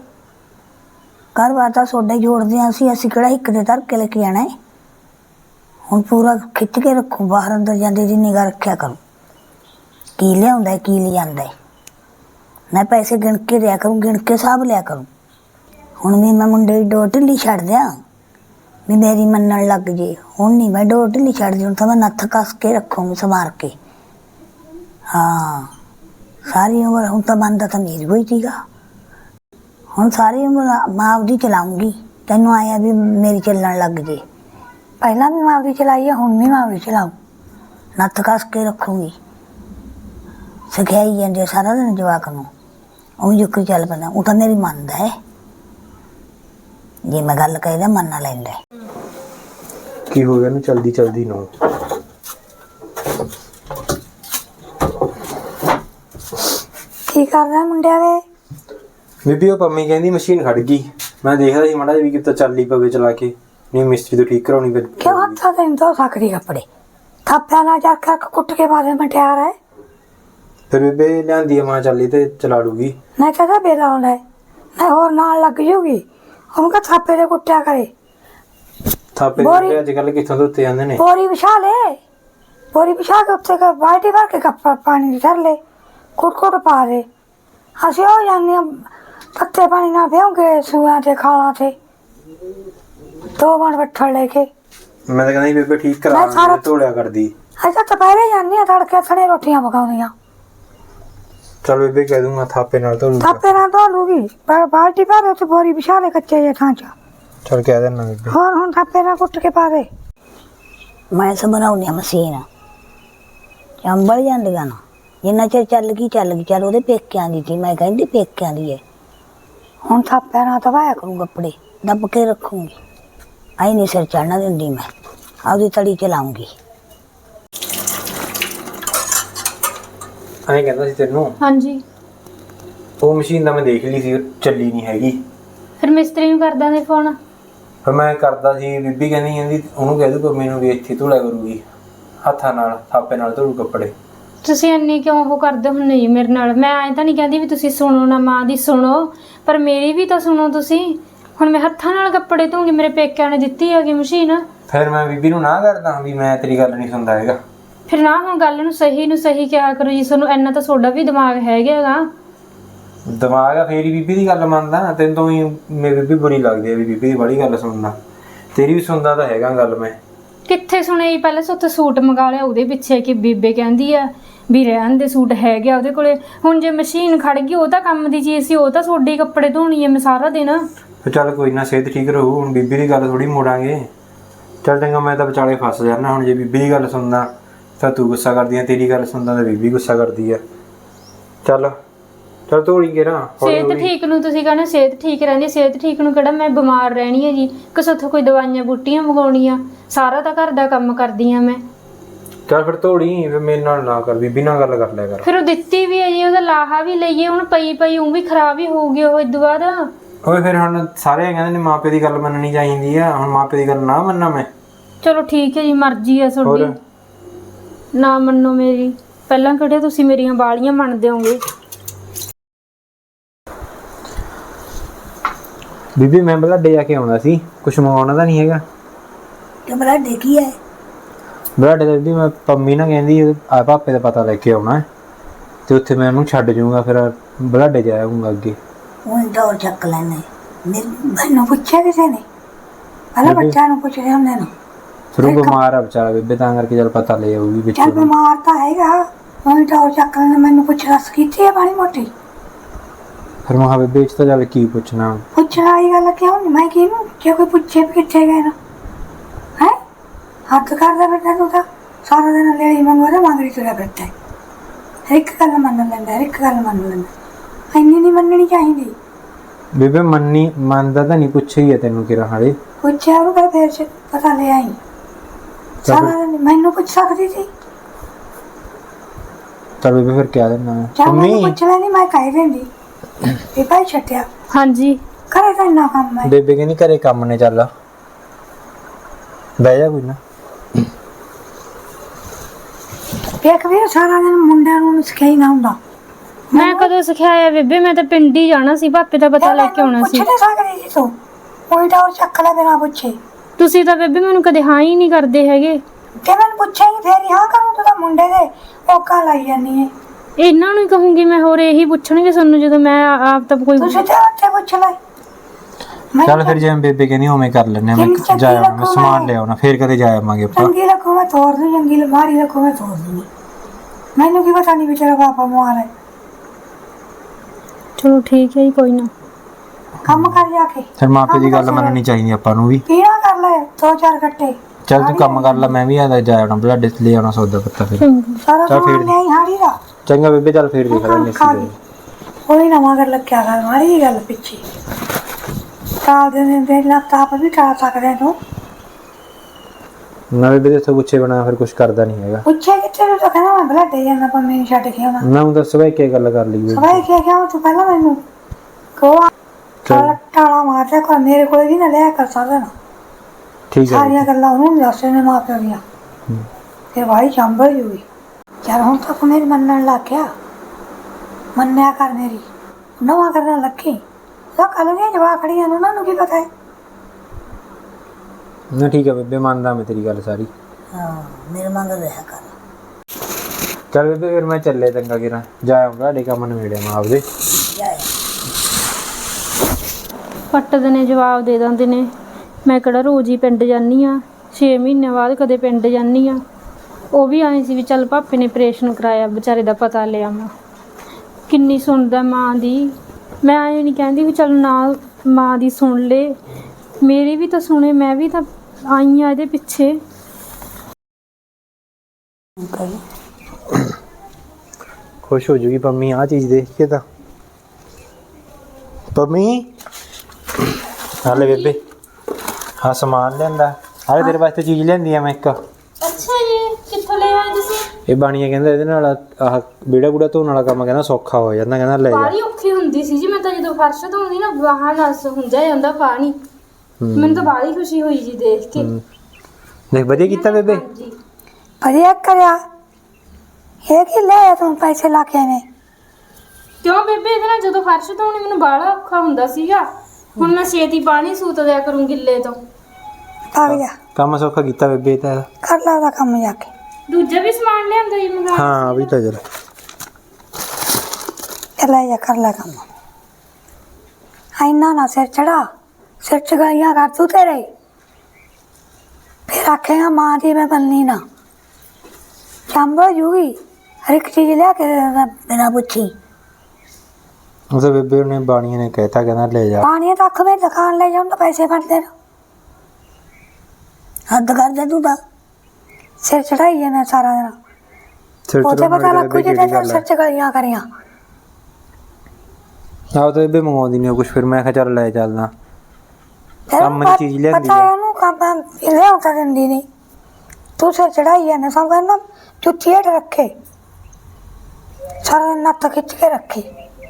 A: ਘਰ ਬਾਰ ਤਾਂ ਤੁਹਾਡਾ ਹੀ ਜੋੜਦੇ ਹਾਂ ਅਸੀਂ, ਅਸੀਂ ਕਿਹੜਾ ਇੱਕ ਦੇ ਧਰ ਕੇ ਲੈ ਕੇ ਜਾਣਾ ਹੈ। ਹੁਣ ਪੂਰਾ ਖਿੱਚ ਕੇ ਰੱਖੂ, ਬਾਹਰ ਅੰਦਰ ਜਾਂਦੇ ਦੀ ਨਿਗਾਹ ਰੱਖਿਆ ਕਰੂੰ, ਕੀ ਲਿਆਉਂਦਾ ਕੀ ਲਿਆਂਦਾ। ਮੈਂ ਪੈਸੇ ਗਿਣ ਕੇ ਦਿਆ ਕਰੂੰ, ਗਿਣ ਕੇ ਹਿਸਾਬ ਲਿਆ ਕਰੂੰ। ਹੁਣ ਵੀ ਮੈਂ ਮੁੰਡੇ ਦੀ ਡੋਰ ਢਿੱਲੀ ਛੱਡ ਦਿਆਂ ਵੀ ਮੇਰੀ ਮੰਨਣ ਲੱਗ ਜੇ। ਹੁਣ ਨਹੀਂ ਮੈਂ ਡੋਰ ਢਿੱਲੀ ਛੱਡਦੀ, ਹੁਣ ਤਾਂ ਮੈਂ ਨੱਥ ਕੱਸ ਕੇ ਰੱਖੂੰਗੀ ਸੰਵਾਰ ਕੇ। ਹਾਂ ਸਾਰੀ ਉਮਰ ਹੁਣ ਤਾਂ ਬਣਦਾ ਤਾਂ ਮੇਰੀ ਹੋਈ ਸੀਗਾ, ਹੁਣ ਸਾਰੀ ਉਮਰ ਮਾਂ ਆਪਦੀ ਚਲਾਉਂਗੀ। ਤੈਨੂੰ ਆਇਆ ਵੀ ਮੇਰੀ ਚੱਲਣ ਲੱਗ ਜੇ, ਪਹਿਲਾਂ ਵੀ ਮਾਂ ਆਪਦੀ ਚਲਾਈ ਹੈ, ਹੁਣ ਵੀ ਮਾਂ ਆਪਦੀ ਚਲਾਊ। ਨੱਥ ਕੱਸ ਕੇ ਰੱਖੂੰਗੀ, ਸਿਖਾਈ ਜਾਂਦੇ ਸਾਰਾ ਦਿਨ ਜਵਾਕ ਨੂੰ, ਉਹ ਜੁੱਕ ਚੱਲ ਪੈਂਦਾ। ਉਹ ਤਾਂ ਮੇਰੀ ਮੰਨਦਾ ਹੈ, ਜੇ ਮੈਂ ਗੱਲ ਕਹਿਦਾ ਮੰਨ ਲੈਂਦਾ।
B: ਕੀ ਹੋ ਗਿਆ ਇਹਨੂੰ ਚਲਦੀ ਚਲਦੀ ਨੂੰ?
A: ਕੀ ਕਰਦਾ ਮੁੰਡਿਆ ਵੇ?
B: ਬੀਬੀ ਉਹ ਪੰਮੀ ਕਹਿੰਦੀ ਮਸ਼ੀਨ ਖੜ ਗਈ, ਮੈਂ ਦੇਖਦਾ ਸੀ ਮਾੜਾ ਜਿਹਾ ਵੀ ਕਿਤੇ ਚੱਲੀ ਪਵੇ ਚਲਾ ਕੇ, ਨਹੀਂ ਮਿਸਤਰੀ ਤੋਂ ਠੀਕ ਕਰਾਉਣੀ ਫਿਰ।
A: ਕਿਉਂ ਹੱਥਾਂ ਤੇ ਨਹੀਂ ਧੋ ਸਕਦੀ ਕੱਪੜੇ? ਥਾਪਿਆਂ ਨਾਲ ਚੱਕ ਕੇ ਕੁੱਟ ਕੇ ਪਾ ਦੇ, ਮਟਿਆਰ ਹੈ।
B: ਫਿਰ ਬੇਬੇ ਲਿਆਂਦੀ ਆ ਮਾਂ, ਚੱਲੀ ਤੇ ਚਲਾ ਲੂਗੀ।
A: ਮੈਂ ਕਹਦਾ ਬੇਲਾ ਆਉਂਦਾ ਹੈ, ਮੈਂ ਹੋਰ ਨਾਲ ਲੱਗ ਜੂਗੀ। ਉਹਨੂੰ ਕਹ ਥਾਪੇ ਦੇ ਕੁੱਟਿਆ ਕਰੇ।
B: ਥਾਪੇ
A: ਬੋਰੀ-
B: ਦੇ ਅੱਜ ਕੱਲ ਕਿੱਥੋਂ ਤੋਂ ਉੱਤੇ ਜਾਂਦੇ ਨੇ।
A: ਬੋਰੀ ਵਿਛਾ ਲੈ, ਬੋਰੀ ਵਿਛਾ ਕੇ ਉੱਤੇ ਕ ਬਾਲਟੀ ਭਰ ਕੇ ਕੱਪਾ ਪਾਣੀ ਧਰ ਲੈ, ਕੁੱਟ ਕੁੱਟ ਪਾ ਦੇ। ਅਸੀਂ ਹੋ ਜਾਂਦੇ ਹਾਂ ਤੱਤੇ ਪਾਣੀ ਨਾਲ ਭਿਉਂਗੇ ਸੂਆਂ ਤੇ ਖਾਲਾਂ ਤੇ, ਦੋ ਮਣ ਵੱਠਣ ਲੈ ਕੇ।
B: ਮੈਂ ਤਾਂ ਕਹਿੰਦਾ ਸੀ ਬੇਬੇ ਠੀਕ
A: ਮੈਂ
B: ਕਰਾ
A: ਸਾਰਾ-
B: ਧੋਲਿਆ ਕਰਦੀ।
A: ਅਸੀਂ ਤਾਂ ਦੁਪਹਿਰੇ ਜਾਂਦੇ ਹਾਂ ਤੜਕੇ ਥਣੇ ਰੋਟੀਆਂ ਪਕਾਉਂਦੀਆਂ।
B: ਚਲ ਬੇਬੇ ਕਹਿ ਦੂੰਗਾ ਥਾਪੇ ਨਾਲ ਧੋ ਲੂਗਾ।
A: ਥਾਪੇ ਨਾਲ ਧੋ ਲੂਗੀ, ਬਾ- ਬਾਲਟੀ ਭਰ ਉੱਤੇ ਬੋਰੀ ਵਿਛਾ ਲੈ ਕੱਚੇ ਜਿਹੇ ਥਾਂ 'ਚ।
B: ਚਲ ਕਹਿ ਦੇਣਾ ਬੇਬੇ।
A: ਹੋਰ ਹੁਣ ਥਾਪੇ ਨਾਲ ਕੁੱਟ ਕੇ ਪਾ ਦੇ। ਮੈਂ ਸਮਝਾਉਂਦੀ ਹਾਂ ਮਸ਼ੀਨ ਚੰਬਲ ਜਾਂਦੀਆਂ ਨਾ, ਜਿੰਨਾ ਚਿਰ ਚੱਲ ਗਈ ਚੱਲ ਗਈ, ਚੱਲ ਉਹਦੇ ਪੇਕਿਆਂ ਦੀ ਸੀ, ਮੈਂ ਕਹਿੰਦੀ ਪੇਕਿਆਂ ਦੀ ਹੈ। ਹੁਣ ਥਾਪਿਆਂ ਨਾਲ ਧਵਾਇਆ ਕਰੂ ਕੱਪੜੇ, ਦੱਬ ਕੇ ਰੱਖੂੰਗੀ, ਆਈ ਨਹੀਂ ਸਿਰ ਚੜ੍ਹਨਾ ਦਿੰਦੀ ਮੈਂ, ਆਪਦੀ ਤੜੀ ਚਲਾਉਂਗੀ।
B: ਐਂ ਕਹਿੰਦਾ ਸੀ ਤੈਨੂੰ,
C: ਹਾਂਜੀ,
B: ਉਹ ਮਸ਼ੀਨ ਤਾਂ ਮੈਂ ਦੇਖ ਲਈ ਸੀ, ਚੱਲੀ ਨਹੀਂ ਹੈਗੀ।
C: ਫਿਰ ਮਿਸਤਰੀ ਨੂੰ ਕਰਦਾ ਦੇ ਫੋਨ।
B: ਫਿਰ ਮੈਂ ਕਰਦਾ ਸੀ, ਬੀਬੀ ਕਹਿੰਦੀ ਕਹਿੰਦੀ ਉਹਨੂੰ ਕਹਿ ਦੂ ਮੈਨੂੰ ਵੀ ਇੱਥੇ ਧੋਲਿਆ ਕਰੂਗੀ, ਹੱਥਾਂ ਨਾਲ ਥਾਪੇ ਨਾਲ ਧੋਲੂ ਕੱਪੜੇ।
C: ਤੁਸੀਂ ਇੰਨੀ ਕਿਉਂ ਉਹ ਕਰਦੇ ਹੁੰਦੇ ਜੀ ਮੇਰੇ ਨਾਲ? ਮੈਂ ਐਂ ਤਾਂ ਨਹੀਂ ਕਹਿੰਦੀ ਵੀ ਤੁਸੀਂ ਸੁਣੋ ਨਾ, ਮਾਂ ਦੀ ਸੁਣੋ, ਪਰ ਮੇਰੀ ਵੀ ਤਾਂ ਸੁਣੋ ਤੁਸੀਂ। ਹੁਣ ਮੈਂ ਹੱਥਾਂ ਨਾਲ ਕੱਪੜੇ ਧੋਂਗੀ, ਮੇਰੇ ਪੇਕਿਆਂ ਨੇ ਦਿੱਤੀ ਹੈਗੀ ਮਸ਼ੀਨ।
B: ਫਿਰ ਮੈਂ ਬੀਬੀ ਨੂੰ ਨਾ ਕਰਦਾ ਵੀ ਮੈਂ ਤੇਰੀ ਗੱਲ ਨਹੀਂ ਸੁਣਦਾ ਹੈਗਾ।
C: ਫਿਰ ਨਾ ਹੁਣ ਗੱਲ ਨੂੰ ਸਹੀ ਨੂੰ ਸਹੀ ਕਿਹਾ ਕਰੋ ਜੀ, ਤੁਹਾਨੂੰ ਇੰਨਾ ਤਾਂ ਤੁਹਾਡਾ ਵੀ ਦਿਮਾਗ ਹੈਗਾ ਗਾ।
B: ਦਿਮਾਗ ਆ ਫੇਰ ਹੀ ਬੀਬੀ ਦੀ ਗੱਲ ਮੰਨਦਾ। ਤੈਨੂੰ ਤਾਂ ਹੀ ਮੇਰੀ ਬੀਬੀ ਬੁਰੀ ਲੱਗਦੀ ਆ ਵੀ ਬੀਬੀ ਦੀ ਬੜੀ ਗੱਲ ਸੁਣਦਾ, ਤੇਰੀ ਵੀ ਸੁਣਦਾ ਤਾਂ ਹੈਗਾ ਗੱਲ ਮੈਂ।
C: ਕਿੱਥੇ ਸੁਣਿਆ ਜੀ? ਪਹਿਲਾਂ ਸੋਥ ਸੂਟ ਮੰਗਾ ਲਿਆ ਉਹਦੇ ਪਿੱਛੇ ਕਿ ਬੀਬੇ ਕਹਿੰਦੀ ਆ ਵੀ ਰਹਿਣ ਦੇ, ਸੂਟ ਹੈਗੇ ਆ ਉਹਦੇ ਕੋਲੇ। ਹੁਣ ਜੇ ਮਸ਼ੀਨ ਖੜ ਗਈ, ਉਹ ਤਾਂ ਕੰਮ ਦੀ ਚੀਜ਼ ਸੀ, ਉਹ ਤਾਂ ਤੁਹਾਡੇ ਕੱਪੜੇ ਧੋਣੀ ਆ ਮੈਂ ਸਾਰਾ ਦਿਨ।
B: ਫਿਰ ਚੱਲ ਕੋਈ ਨਾ, ਸਿਹਤ ਠੀਕ ਰਹੂ, ਹੁਣ ਬੀਬੀ ਦੀ ਗੱਲ ਥੋੜੀ ਮੋੜਾਂਗੇ। ਚੱਲ ਚੰਗਾ, ਮੈਂ ਤਾਂ ਵਿਚਾਲੇ ਫਸ ਜਾਣਾ। ਹੁਣ ਜੇ ਬੀਬੀ ਦੀ ਗੱਲ ਸੁਣਦਾ ਤਾਂ ਤੂੰ ਗੁੱਸਾ ਕਰਦੀ ਆ, ਤੇਰੀ ਗੱਲ ਸੁਣਦਾ ਤਾਂ ਬੀਬੀ ਗੁੱਸਾ ਕਰਦੀ ਆ। ਚੱਲ ਚੱਲ ਧੋਲੀ ਕੇ ਨਾ।
C: ਸਿਹਤ ਠੀਕ ਨੂੰ ਤੁਸੀਂ ਕਹਿੰਦੇ ਸਿਹਤ ਠੀਕ ਰਹਿੰਦੀ, ਸਿਹਤ ਠੀਕ ਨੂੰ ਕਿਹੜਾ ਮੈਂ ਬਿਮਾਰ ਰਹਿਣੀ ਹੈ ਜੀ? ਕਿ ਉੱਥੋਂ ਕੋਈ ਦਵਾਈਆਂ ਬੂਟੀਆਂ ਮੰਗਾਉਣੀਆਂ? ਸਾਰਾ ਤਾਂ ਘਰ ਦਾ ਕੰਮ ਕਰਦੀ ਆ ਮੈਂ।
B: ਚੱਲ ਫਿਰ ਧੋਲੀ, ਫਿਰ ਮੇਰੇ ਨਾਲ ਨਾ ਕਰ, ਬੀਬੀ ਨਾਲ ਗੱਲ ਕਰ ਲਿਆ ਕਰ।
C: ਫਿਰ ਉਹ ਦਿੱਤੀ ਵੀ ਹੈ ਜੀ, ਉਹਦਾ ਲਾਹਾ ਵੀ ਲਈਏ, ਹੁਣ ਪਈ ਪਈ ਉਹ ਵੀ ਖਰਾਬ ਹੀ ਹੋਊਗੀ ਉਹ ਇਦੋਂ ਬਾਅਦ।
B: ਓਏ ਫਿਰ ਹੁਣ ਸਾਰੇ ਕਹਿੰਦੇ ਨੇ ਮਾਂ ਪਿਓ ਦੀ ਗੱਲ ਮੰਨਣੀ ਚਾਹੀਦੀ ਆ, ਹੁਣ ਮਾਂ ਪਿਓ ਦੀ ਗੱਲ ਨਾ ਮੰਨਾਂ ਮੈਂ?
C: ਚਲੋ ਠੀਕ ਹੈ ਜੀ, ਮਰਜ਼ੀ ਆ ਤੁਹਾਡੀ, ਨਾ ਮੰਨੋ ਮੇਰੀ। ਪਹਿਲਾਂ ਕਿਹੜੇ ਤੁਸੀਂ ਮੇਰੀਆਂ ਬਾਲੀਆਂ ਮੰਨਦੇ ਹੋਗੇ?
B: ਬੀਬੀ ਮੈਂ ਬਲਾਡੇ ਜਾ ਕੇ ਆਉਣਾ ਸੀ, ਕੁਛ ਮੰਗਵਾਉਣਾ ਤਾਂ ਨਹੀਂ ਹੈਗਾ?
A: ਕਿ ਬੜਾ ਦੇਖੀ ਹੈ
B: ਬਲਾਡੇ ਦਾ ਬੀਬੀ, ਮੈਂ ਪੰਮੀ ਨਾ ਕਹਿੰਦੀ ਆ ਪਾਪੇ ਦਾ ਪਤਾ ਲੈ ਕੇ ਆਉਣਾ ਤੇ ਉੱਥੇ ਮੈਂ ਉਹਨੂੰ ਛੱਡ ਜਾਊਂਗਾ, ਫਿਰ ਬਲਾਡੇ ਜਾ ਆਊਂਗਾ ਅੱਗੇ।
A: ਹੁਣ ਦੌੜ ਚੱਕ ਲੈਣੇ, ਮੈਨੂੰ ਪੁੱਛਿਆ ਕਿਸੇ ਨੇ? ਪਹਿਲਾਂ ਬੱਚਿਆਂ ਨੂੰ ਪੁੱਛਦੇ ਹੁੰਦੇ ਨੇ।
B: ਫਿਰ ਉਹ ਬਿਮਾਰ ਆ ਵਿਚਾਰਾ ਬੀਬੇ, ਤਾਂ ਕਰਕੇ ਚੱਲ ਪਤਾ ਲੈ ਆਊਗੀ ਵਿੱਚ।
A: ਚੱਲ ਬਿਮਾਰ ਤਾਂ ਹੈਗਾ, ਹੁਣ ਦੌੜ ਚੱਕ ਲੈਣੇ, ਮੈਨੂੰ ਪੁੱਛ ਰਸ ਕੀਤੀ ਹੈ ਮਾੜੀ ਮੋਟੀ।
B: ਫਿਰ ਮਹਾ ਬੀਬੇ ਚ ਤਾਂ ਚੱਲ ਕੀ ਪੁੱਛਣਾ,
A: ਪੁੱਛਣ ਵਾਲੀ ਗੱਲ ਕਿਉਂ ਨਹੀਂ? ਮੈਂ ਕਿਹਨੂੰ ਜੇ ਕੋਈ ਪੁੱਛੇ ਵੀ ਕਿੱਥੇ ਗਏ ਨਾ ਹੈ, ਹੱਥ ਕਰਦਾ ਬੈਠਾ ਤੂੰ ਤਾਂ ਸਾਰਾ ਦਿਨ ਲੈਣੀ ਮੰਗਵਾ ਮੰਗਰੀ ਤੁਰਿਆ ਫਿਰਦਾ। ਹਰ ਇੱਕ ਗੱਲ ਮੰਨ ਲੈਂਦਾ, ਹਰ ਇੱਕ ਗੱਲ ਮੰਨ ਲੈਂਦਾ, ਇੰਨੀ ਨਹੀਂ ਮੰਨਣੀ ਚਾਹੀਦੀ।
B: ਬੀਬੇ ਮੰਨੀ ਮੰਨਦਾ ਤਾਂ ਨਹੀਂ, ਪੁੱਛਿਆ ਹੀ ਆ ਤੈਨੂੰ ਕਿਰਾ ਹਾਲੇ।
A: ਪੁੱਛਿਆ ਉਹਨੂੰ ਕਹ ਫੇਰ ਚ ਪਤਾ ਲੈ ਆਈ, ਸਾਰਾ ਦਿਨ ਮੈਨੂੰ ਪੁੱਛ ਸਕਦੀ ਸੀ।
B: ਚੱਲ ਬੀਬੇ ਫਿਰ ਕਹਿ ਦਿੰਦਾ ਮੈਂ।
A: ਚੱਲ ਮੈਨੂੰ ਪੁੱਛ ਲੈਣੀ, ਮੈਂ ਕਹਿ ਦਿੰਦੀ ਇਹ ਭਾਈ ਛੱਡਿਆ।
C: ਹਾਂਜੀ,
A: ਘਰੇ ਤਾਂ ਇੰਨਾ ਕੰਮ ਹੈ।
B: ਬੇਬੇ ਕਹਿੰਦੀ ਘਰੇ ਕੰਮ ਨੇ, ਚੱਲ ਬਹਿ ਜਾ ਕੋਈ ਨਾ।
A: ਵੇਖ ਵੀਰ, ਸਾਰਾ ਦਿਨ ਮੁੰਡਿਆਂ ਨੂੰ ਸਿਖਾਈ ਨਾ ਹੁੰਦਾ।
C: ਮੈਂ ਕਦੋਂ ਸਿਖਾਇਆ ਬੇਬੇ? ਮੈਂ ਤਾਂ ਪਿੰਡ ਹੀ ਜਾਣਾ ਸੀ, ਪਾਪੇ ਦਾ ਪਤਾ ਲੈ ਕੇ ਆਉਣਾ ਸੀ।
A: ਪੁੱਛ ਨਹੀਂ ਸਕਦੀ ਸੀ ਤੂੰ, ਕੋਈ ਡਾਉਰ ਚੱਕ ਲੈ ਬਿਨਾਂ ਪੁੱਛੇ।
C: ਤੁਸੀਂ ਤਾਂ ਬੇਬੇ ਮੈਨੂੰ ਕਦੇ ਹਾਂ ਹੀ ਨਹੀਂ ਕਰਦੇ ਹੈਗੇ।
A: ਤੇ ਮੈਨੂੰ ਪੁੱਛੇਗੀ ਫੇਰ ਹਾਂ ਕਰੂੰ, ਤੂੰ ਤਾਂ ਮੁੰਡੇ ਦੇ ਔਕਾ ਲਾਈ ਜਾਂਦੀ ਹੈ।
C: ਇਹਨਾਂ ਨੂੰ ਹੀ ਕਹੂੰਗੀ ਮੈਂ, ਹੋਰ ਇਹੀ ਪੁੱਛਣਗੇ ਤੁਹਾਨੂੰ ਜਦੋਂ ਮੈਂ ਆਪ ਤਾਂ ਕੋਈ।
A: ਤੁਸੀਂ ਤੇ ਉੱਥੇ ਪੁੱਛ ਲੈ।
B: ਚੱਲ ਫਿਰ ਜਿਵੇਂ ਬੇਬੇ ਕਹਿੰਦੀ ਉਵੇਂ ਕਰ ਲੈਣੇ, ਮੈਂ ਜਾ ਆਉਣਾ, ਮੈਂ ਸਮਾਨ ਲੈ ਆਉਣਾ, ਫੇਰ ਕਦੇ ਜਾ ਆਵਾਂਗੇ ਆਪਾਂ।
A: ਚੰਗੀ ਰੱਖੋ ਮੈਂ ਤੋੜ ਦੂੰ, ਚੰਗੀ ਲਮਾਰੀ ਰੱਖੋ ਮੈਂ ਤੋੜ ਦੂੰ, ਮੈਨੂੰ ਕੀ ਪਤਾ ਨਹੀਂ ਵਿਚਾਰਾ ਪਾਪਾ ਮੁਆਰ ਹੈ।
C: ਚਲੋ ਠੀਕ ਹੈ ਜੀ, ਕੋਈ ਨਾ
A: ਕੰਮ ਕਰ ਜਾ ਕੇ।
B: ਫਿਰ ਮਾਪੇ ਦੀ ਗੱਲ ਮੰਨਣੀ ਚਾਹੀਦੀ ਆਪਾਂ ਨੂੰ ਵੀ।
A: ਪੀਣਾ ਕਰ ਲੈ ਦੋ ਚਾਰ ਘੱਟੇ।
B: ਚੱਲ ਤੂੰ ਕੰਮ ਕਰ ਲੈ, ਮੈਂ ਵੀ ਆਦਾ ਜਾ ਆਉਣਾ, ਬਲਾਡੇ ਲੈ ਆਉਣਾ ਸੌਦਾ ਪੱਤਾ ਫਿਰ।
A: ਸਾਰਾ ਸਮਾਨ ਲਿਆਈ ਹਾੜੀ ਦਾ।
B: ਚੰਗਾ ਬੇਬੇ, ਚੱਲ ਫੇਰ ਦੇਖ ਲੈਣੇ ਸੀ।
A: ਕੋਈ ਨਾ ਮਗਰ ਲੱਗਿਆ ਕਰ, ਮਾੜੀ ਗੱਲ ਪਿੱਛੇ ਟਾਲ ਦੇ ਦਿੰਦੇ, ਲੱਤ ਆਪ ਵੀ ਟਾਲ ਸਕਦੇ ਤੂੰ।
B: ਨਾ ਬੇਬੇ ਤੇ ਪੁੱਛੇ ਬਣਾ ਫਿਰ ਕੁਛ ਕਰਦਾ ਨਹੀਂ ਹੈਗਾ।
A: ਪੁੱਛੇ ਕਿੱਥੇ ਨੂੰ? ਤਾਂ ਕਹਿੰਦਾ ਮੈਂ ਬਲਾਡੇ ਜਾਂਦਾ, ਪਰ ਮੈਨੂੰ ਛੱਡ ਕੇ ਆਉਣਾ।
B: ਨਾ ਉਹ ਦੱਸ ਵੇ ਕੀ ਗੱਲ ਕਰ ਲਈ ਬੇਬੇ?
A: ਸਵਾਈ ਕੀ ਕਿਹਾ ਤੂੰ ਪਹਿਲਾਂ ਮੈਨੂੰ ਕੋ ਟਾਲਾ ਮਾਰਦਾ ਕਰ, ਮੇਰੇ ਕੋਲ ਵੀ ਨਾ ਲਿਆ ਕਰ ਸਕਦਾ ਨਾ।
B: ਠੀਕ ਹੈ,
A: ਸਾਰੀਆਂ ਗੱਲਾਂ ਉਹਨੂੰ ਦੱਸੇ ਨੇ ਮਾਂ ਪਿਓ ਦੀਆਂ, ਫਿਰ ਭਾਈ ਚੰਬਲ ਜੂਗੀ। ਚੱਲ ਹੁਣ ਤੱਕ ਮੇਰੀ ਮੰਨਣ ਲੱਗ ਗਿਆ, ਮੰਨਿਆ ਕਰ ਮੇਰੀ, ਨਵਾਂ ਕਰਨ ਲੱਗੀ ਤਾਂ ਕੱਲ ਦੀਆਂ ਜਵਾਖੜੀਆਂ ਨੂੰ ਉਹਨਾਂ ਨੂੰ ਕੀ ਪਤਾ ਹੈ।
B: ਨਾ ਠੀਕ ਹੈ ਬੇਬੇ, ਮੰਨਦਾ ਮੈਂ ਤੇਰੀ ਗੱਲ ਸਾਰੀ।
A: ਹਾਂ ਮੇਰੇ ਮੰਗ ਰਿਹਾ ਕਰ।
B: ਚੱਲ ਬੇਬੇ ਫਿਰ ਮੈਂ ਚੱਲੇ, ਚੰਗਾ ਕਿਰਾ ਜਾ ਆਉਂਗਾ, ਸਾਡੇ ਕੰਮ ਨਿਬੇੜਿਆ ਮੈਂ ਆਪਦੇ।
C: ਪੱਟਦੇ ਨੇ, ਜਵਾਬ ਦੇ ਦਿੰਦੇ ਨੇ। ਮੈਂ ਕਿਹੜਾ ਰੋਜ਼ ਹੀ ਪਿੰਡ ਜਾਂਦੀ ਆ, ਛੇ ਮਹੀਨੇ ਬਾਅਦ ਕਦੇ ਪਿੰਡ ਜਾਂਦੀ ਆ। ਉਹ ਵੀ ਆਏ ਸੀ ਵੀ ਚੱਲ ਪਾਪੇ ਨੇ ਆਪਰੇਸ਼ਨ ਕਰਾਇਆ, ਵਿਚਾਰੇ ਦਾ ਪਤਾ ਲਿਆ। ਮੈਂ ਕਿੰਨੀ ਸੁਣਦਾ ਮਾਂ ਦੀ, ਮੈਂ ਐਂ ਨਹੀਂ ਕਹਿੰਦੀ ਵੀ ਚੱਲ ਨਾ ਮਾਂ ਦੀ ਸੁਣ ਲੈ, ਮੇਰੀ ਵੀ ਤਾਂ ਸੁਣੇ, ਮੈਂ ਵੀ ਤਾਂ ਆਈ ਆ ਇਹਦੇ ਪਿੱਛੇ।
B: ਖੁਸ਼ ਹੋ ਜੂਗੀ ਪੰਮੀ ਆ ਚੀਜ਼ ਦੇਖ ਕੇ ਤਾਂ। ਪੰਮੀ ਹਾਲੇ ਬੇਬੇ ਹਾਂ ਸਮਾਨ ਲਿਆਂਦਾ, ਹਾਲੇ ਤੇਰੇ ਵਾਸਤੇ ਚੀਜ਼ ਲਿਆਂਦੀ ਆ ਮੈਂ ਇੱਕ।
C: ਅੱਛਾ ਜੀ, ਕਿੱਥੋਂ ਲੈ ਆਏ ਤੁਸੀਂ?
B: ਇਹ ਬਾਣੀਆ ਕਹਿੰਦਾ ਇਹਦੇ ਨਾਲ ਆਹ ਵਿਹੜਾ ਬੂੜਾ ਧੋਣ ਵਾਲਾ ਕੰਮ ਕਹਿੰਦਾ ਸੌਖਾ ਹੋ ਜਾਂਦਾ, ਕਹਿੰਦਾ ਲੈ ਜਾ।
C: ਬਾਹਲੀ ਔਖੀ ਹੁੰਦੀ ਸੀ ਜੀ, ਮੈਂ ਤਾਂ ਜਦੋਂ ਫਰਸ਼ ਧੋਂਦੀ ਨਾ ਬਾਹਰ ਨਾਲ ਹੁੰਦਾ ਜਾਂਦਾ ਪਾਣੀ। ਮੈਨੂੰ ਤਾਂ ਬਾਹਲੀ ਖੁਸ਼ੀ ਹੋਈ ਜੀ ਦੇਖ ਕੇ।
B: ਦੇਖ ਵਧੀਆ ਕੀਤਾ ਬੇਬੇ।
C: ਹਾਂਜੀ
A: ਵਧੀਆ ਕਰਿਆ। ਇਹ ਕੀ ਲੈ ਤੂੰ ਪੈਸੇ ਲਾ ਕੇ ਨੇ?
C: ਕਿਉਂ ਬੇਬੇ, ਇਹਦੇ ਨਾਲ ਜਦੋਂ ਫਰਸ਼ ਧੋਣੀ ਮੈਨੂੰ ਬਾਹਲਾ ਔਖਾ ਹੁੰਦਾ ਸੀਗਾ। ਹੁਣ ਮੈਂ ਛੇਤੀ ਪਾਣੀ ਸੂਤ ਦਿਆ ਕਰੂੰ ਗਿੱਲੇ ਤੋਂ।
A: ਆ ਗਿਆ
B: ਕੰਮ ਸੌਖਾ ਕੀਤਾ ਬੇਬੇ ਤਾਂ।
A: ਕਰ ਲਾ ਉਹਦਾ ਕੰਮ ਜਾ ਕੇ।
C: ਦੂਜਾ ਵੀ ਸਮਾਨ ਲਿਆਂਦਾ ਜੀ ਮੰਗਾ?
B: ਹਾਂ ਵੀ ਤਾਂ ਚਲ
A: ਲੈ ਜਾ ਕਰ ਲੈ ਕੰਮ। ਇੰਨਾ ਨਾ ਸਿਰ ਚੜਾ, ਸਿਰ ਚ ਗਾਈਆਂ ਕਰ ਤੂੰ ਤੇਰੇ। ਫਿਰ ਆਖੇਗਾ ਮਾਂ ਦੀ ਮੈਂ ਬੰਨੀ ਨਾ ਚੰਬੜ ਜੂਗੀ। ਹਰ ਇੱਕ ਚੀਜ਼ ਲਿਆ ਕੇ ਬਿਨਾ ਪੁੱਛੀ।
B: ਉਹਦੇ ਬੇਬੇ ਨੇ ਬਾਣੀਆ ਨੇ ਕਹਿਤਾ ਕਹਿੰਦਾ ਲੈ ਜਾ।
A: ਪਾਣੀ ਤਾਂ ਅੱਖ ਵਿੱਚ ਦੁਕਾਨ ਲੈ ਜਾਉਂ ਤਾਂ ਪੈਸੇ ਬਣਦੇ ਨੇ। ਹੱਦ ਕਰਦੇ ਤੂੰ ਤਾਂ ਸਿਰ ਚੜਾਈ ਜਾਂਦਾ ਸਾਰਾ ਦਿਨ।
B: ਸਿਰ
A: ਉੱਥੇ
B: ਚੜਾਉਣ
A: ਪਤਾ
B: ਵਾਲੀ
A: ਲੱਗੂ
B: ਬੇਬੇ
A: ਜੇ
B: ਕਿਹੜੀ ਗੱਲ
A: ਸਿਰ ਚ ਗਲੀਆਂ ਕਰੀਆਂ।
B: ਆਹ ਤਾਂ ਬੇਬੇ ਮੰਗਵਾਉਂਦੀ ਨਹੀਂ ਕੁਛ, ਫਿਰ ਮੈਂ ਕਿਹਾ ਚੱਲ ਲੈ ਚੱਲਦਾ।
A: ਫਿਰ
B: ਕੰਮ ਦੀ ਚੀਜ਼ ਲਿਆਂਦੀ
A: ਪਤਾ
B: ਆ।
A: ਉਹਨੂੰ ਕੰਮ ਲਿਆਉਂ ਤਾਂ ਦਿੰਦੀ ਨਹੀਂ। ਤੂੰ ਸਿਰ ਚੜਾਈ ਜਾਂਦਾ ਸਭ ਕਹਿੰਦਾ ਚੁੱਥੀ ਹੇਠ ਰੱਖੇ, ਸਾਰਾ ਦਿਨ ਨੱਥ ਖਿੱਚ ਕੇ ਰੱਖੇ।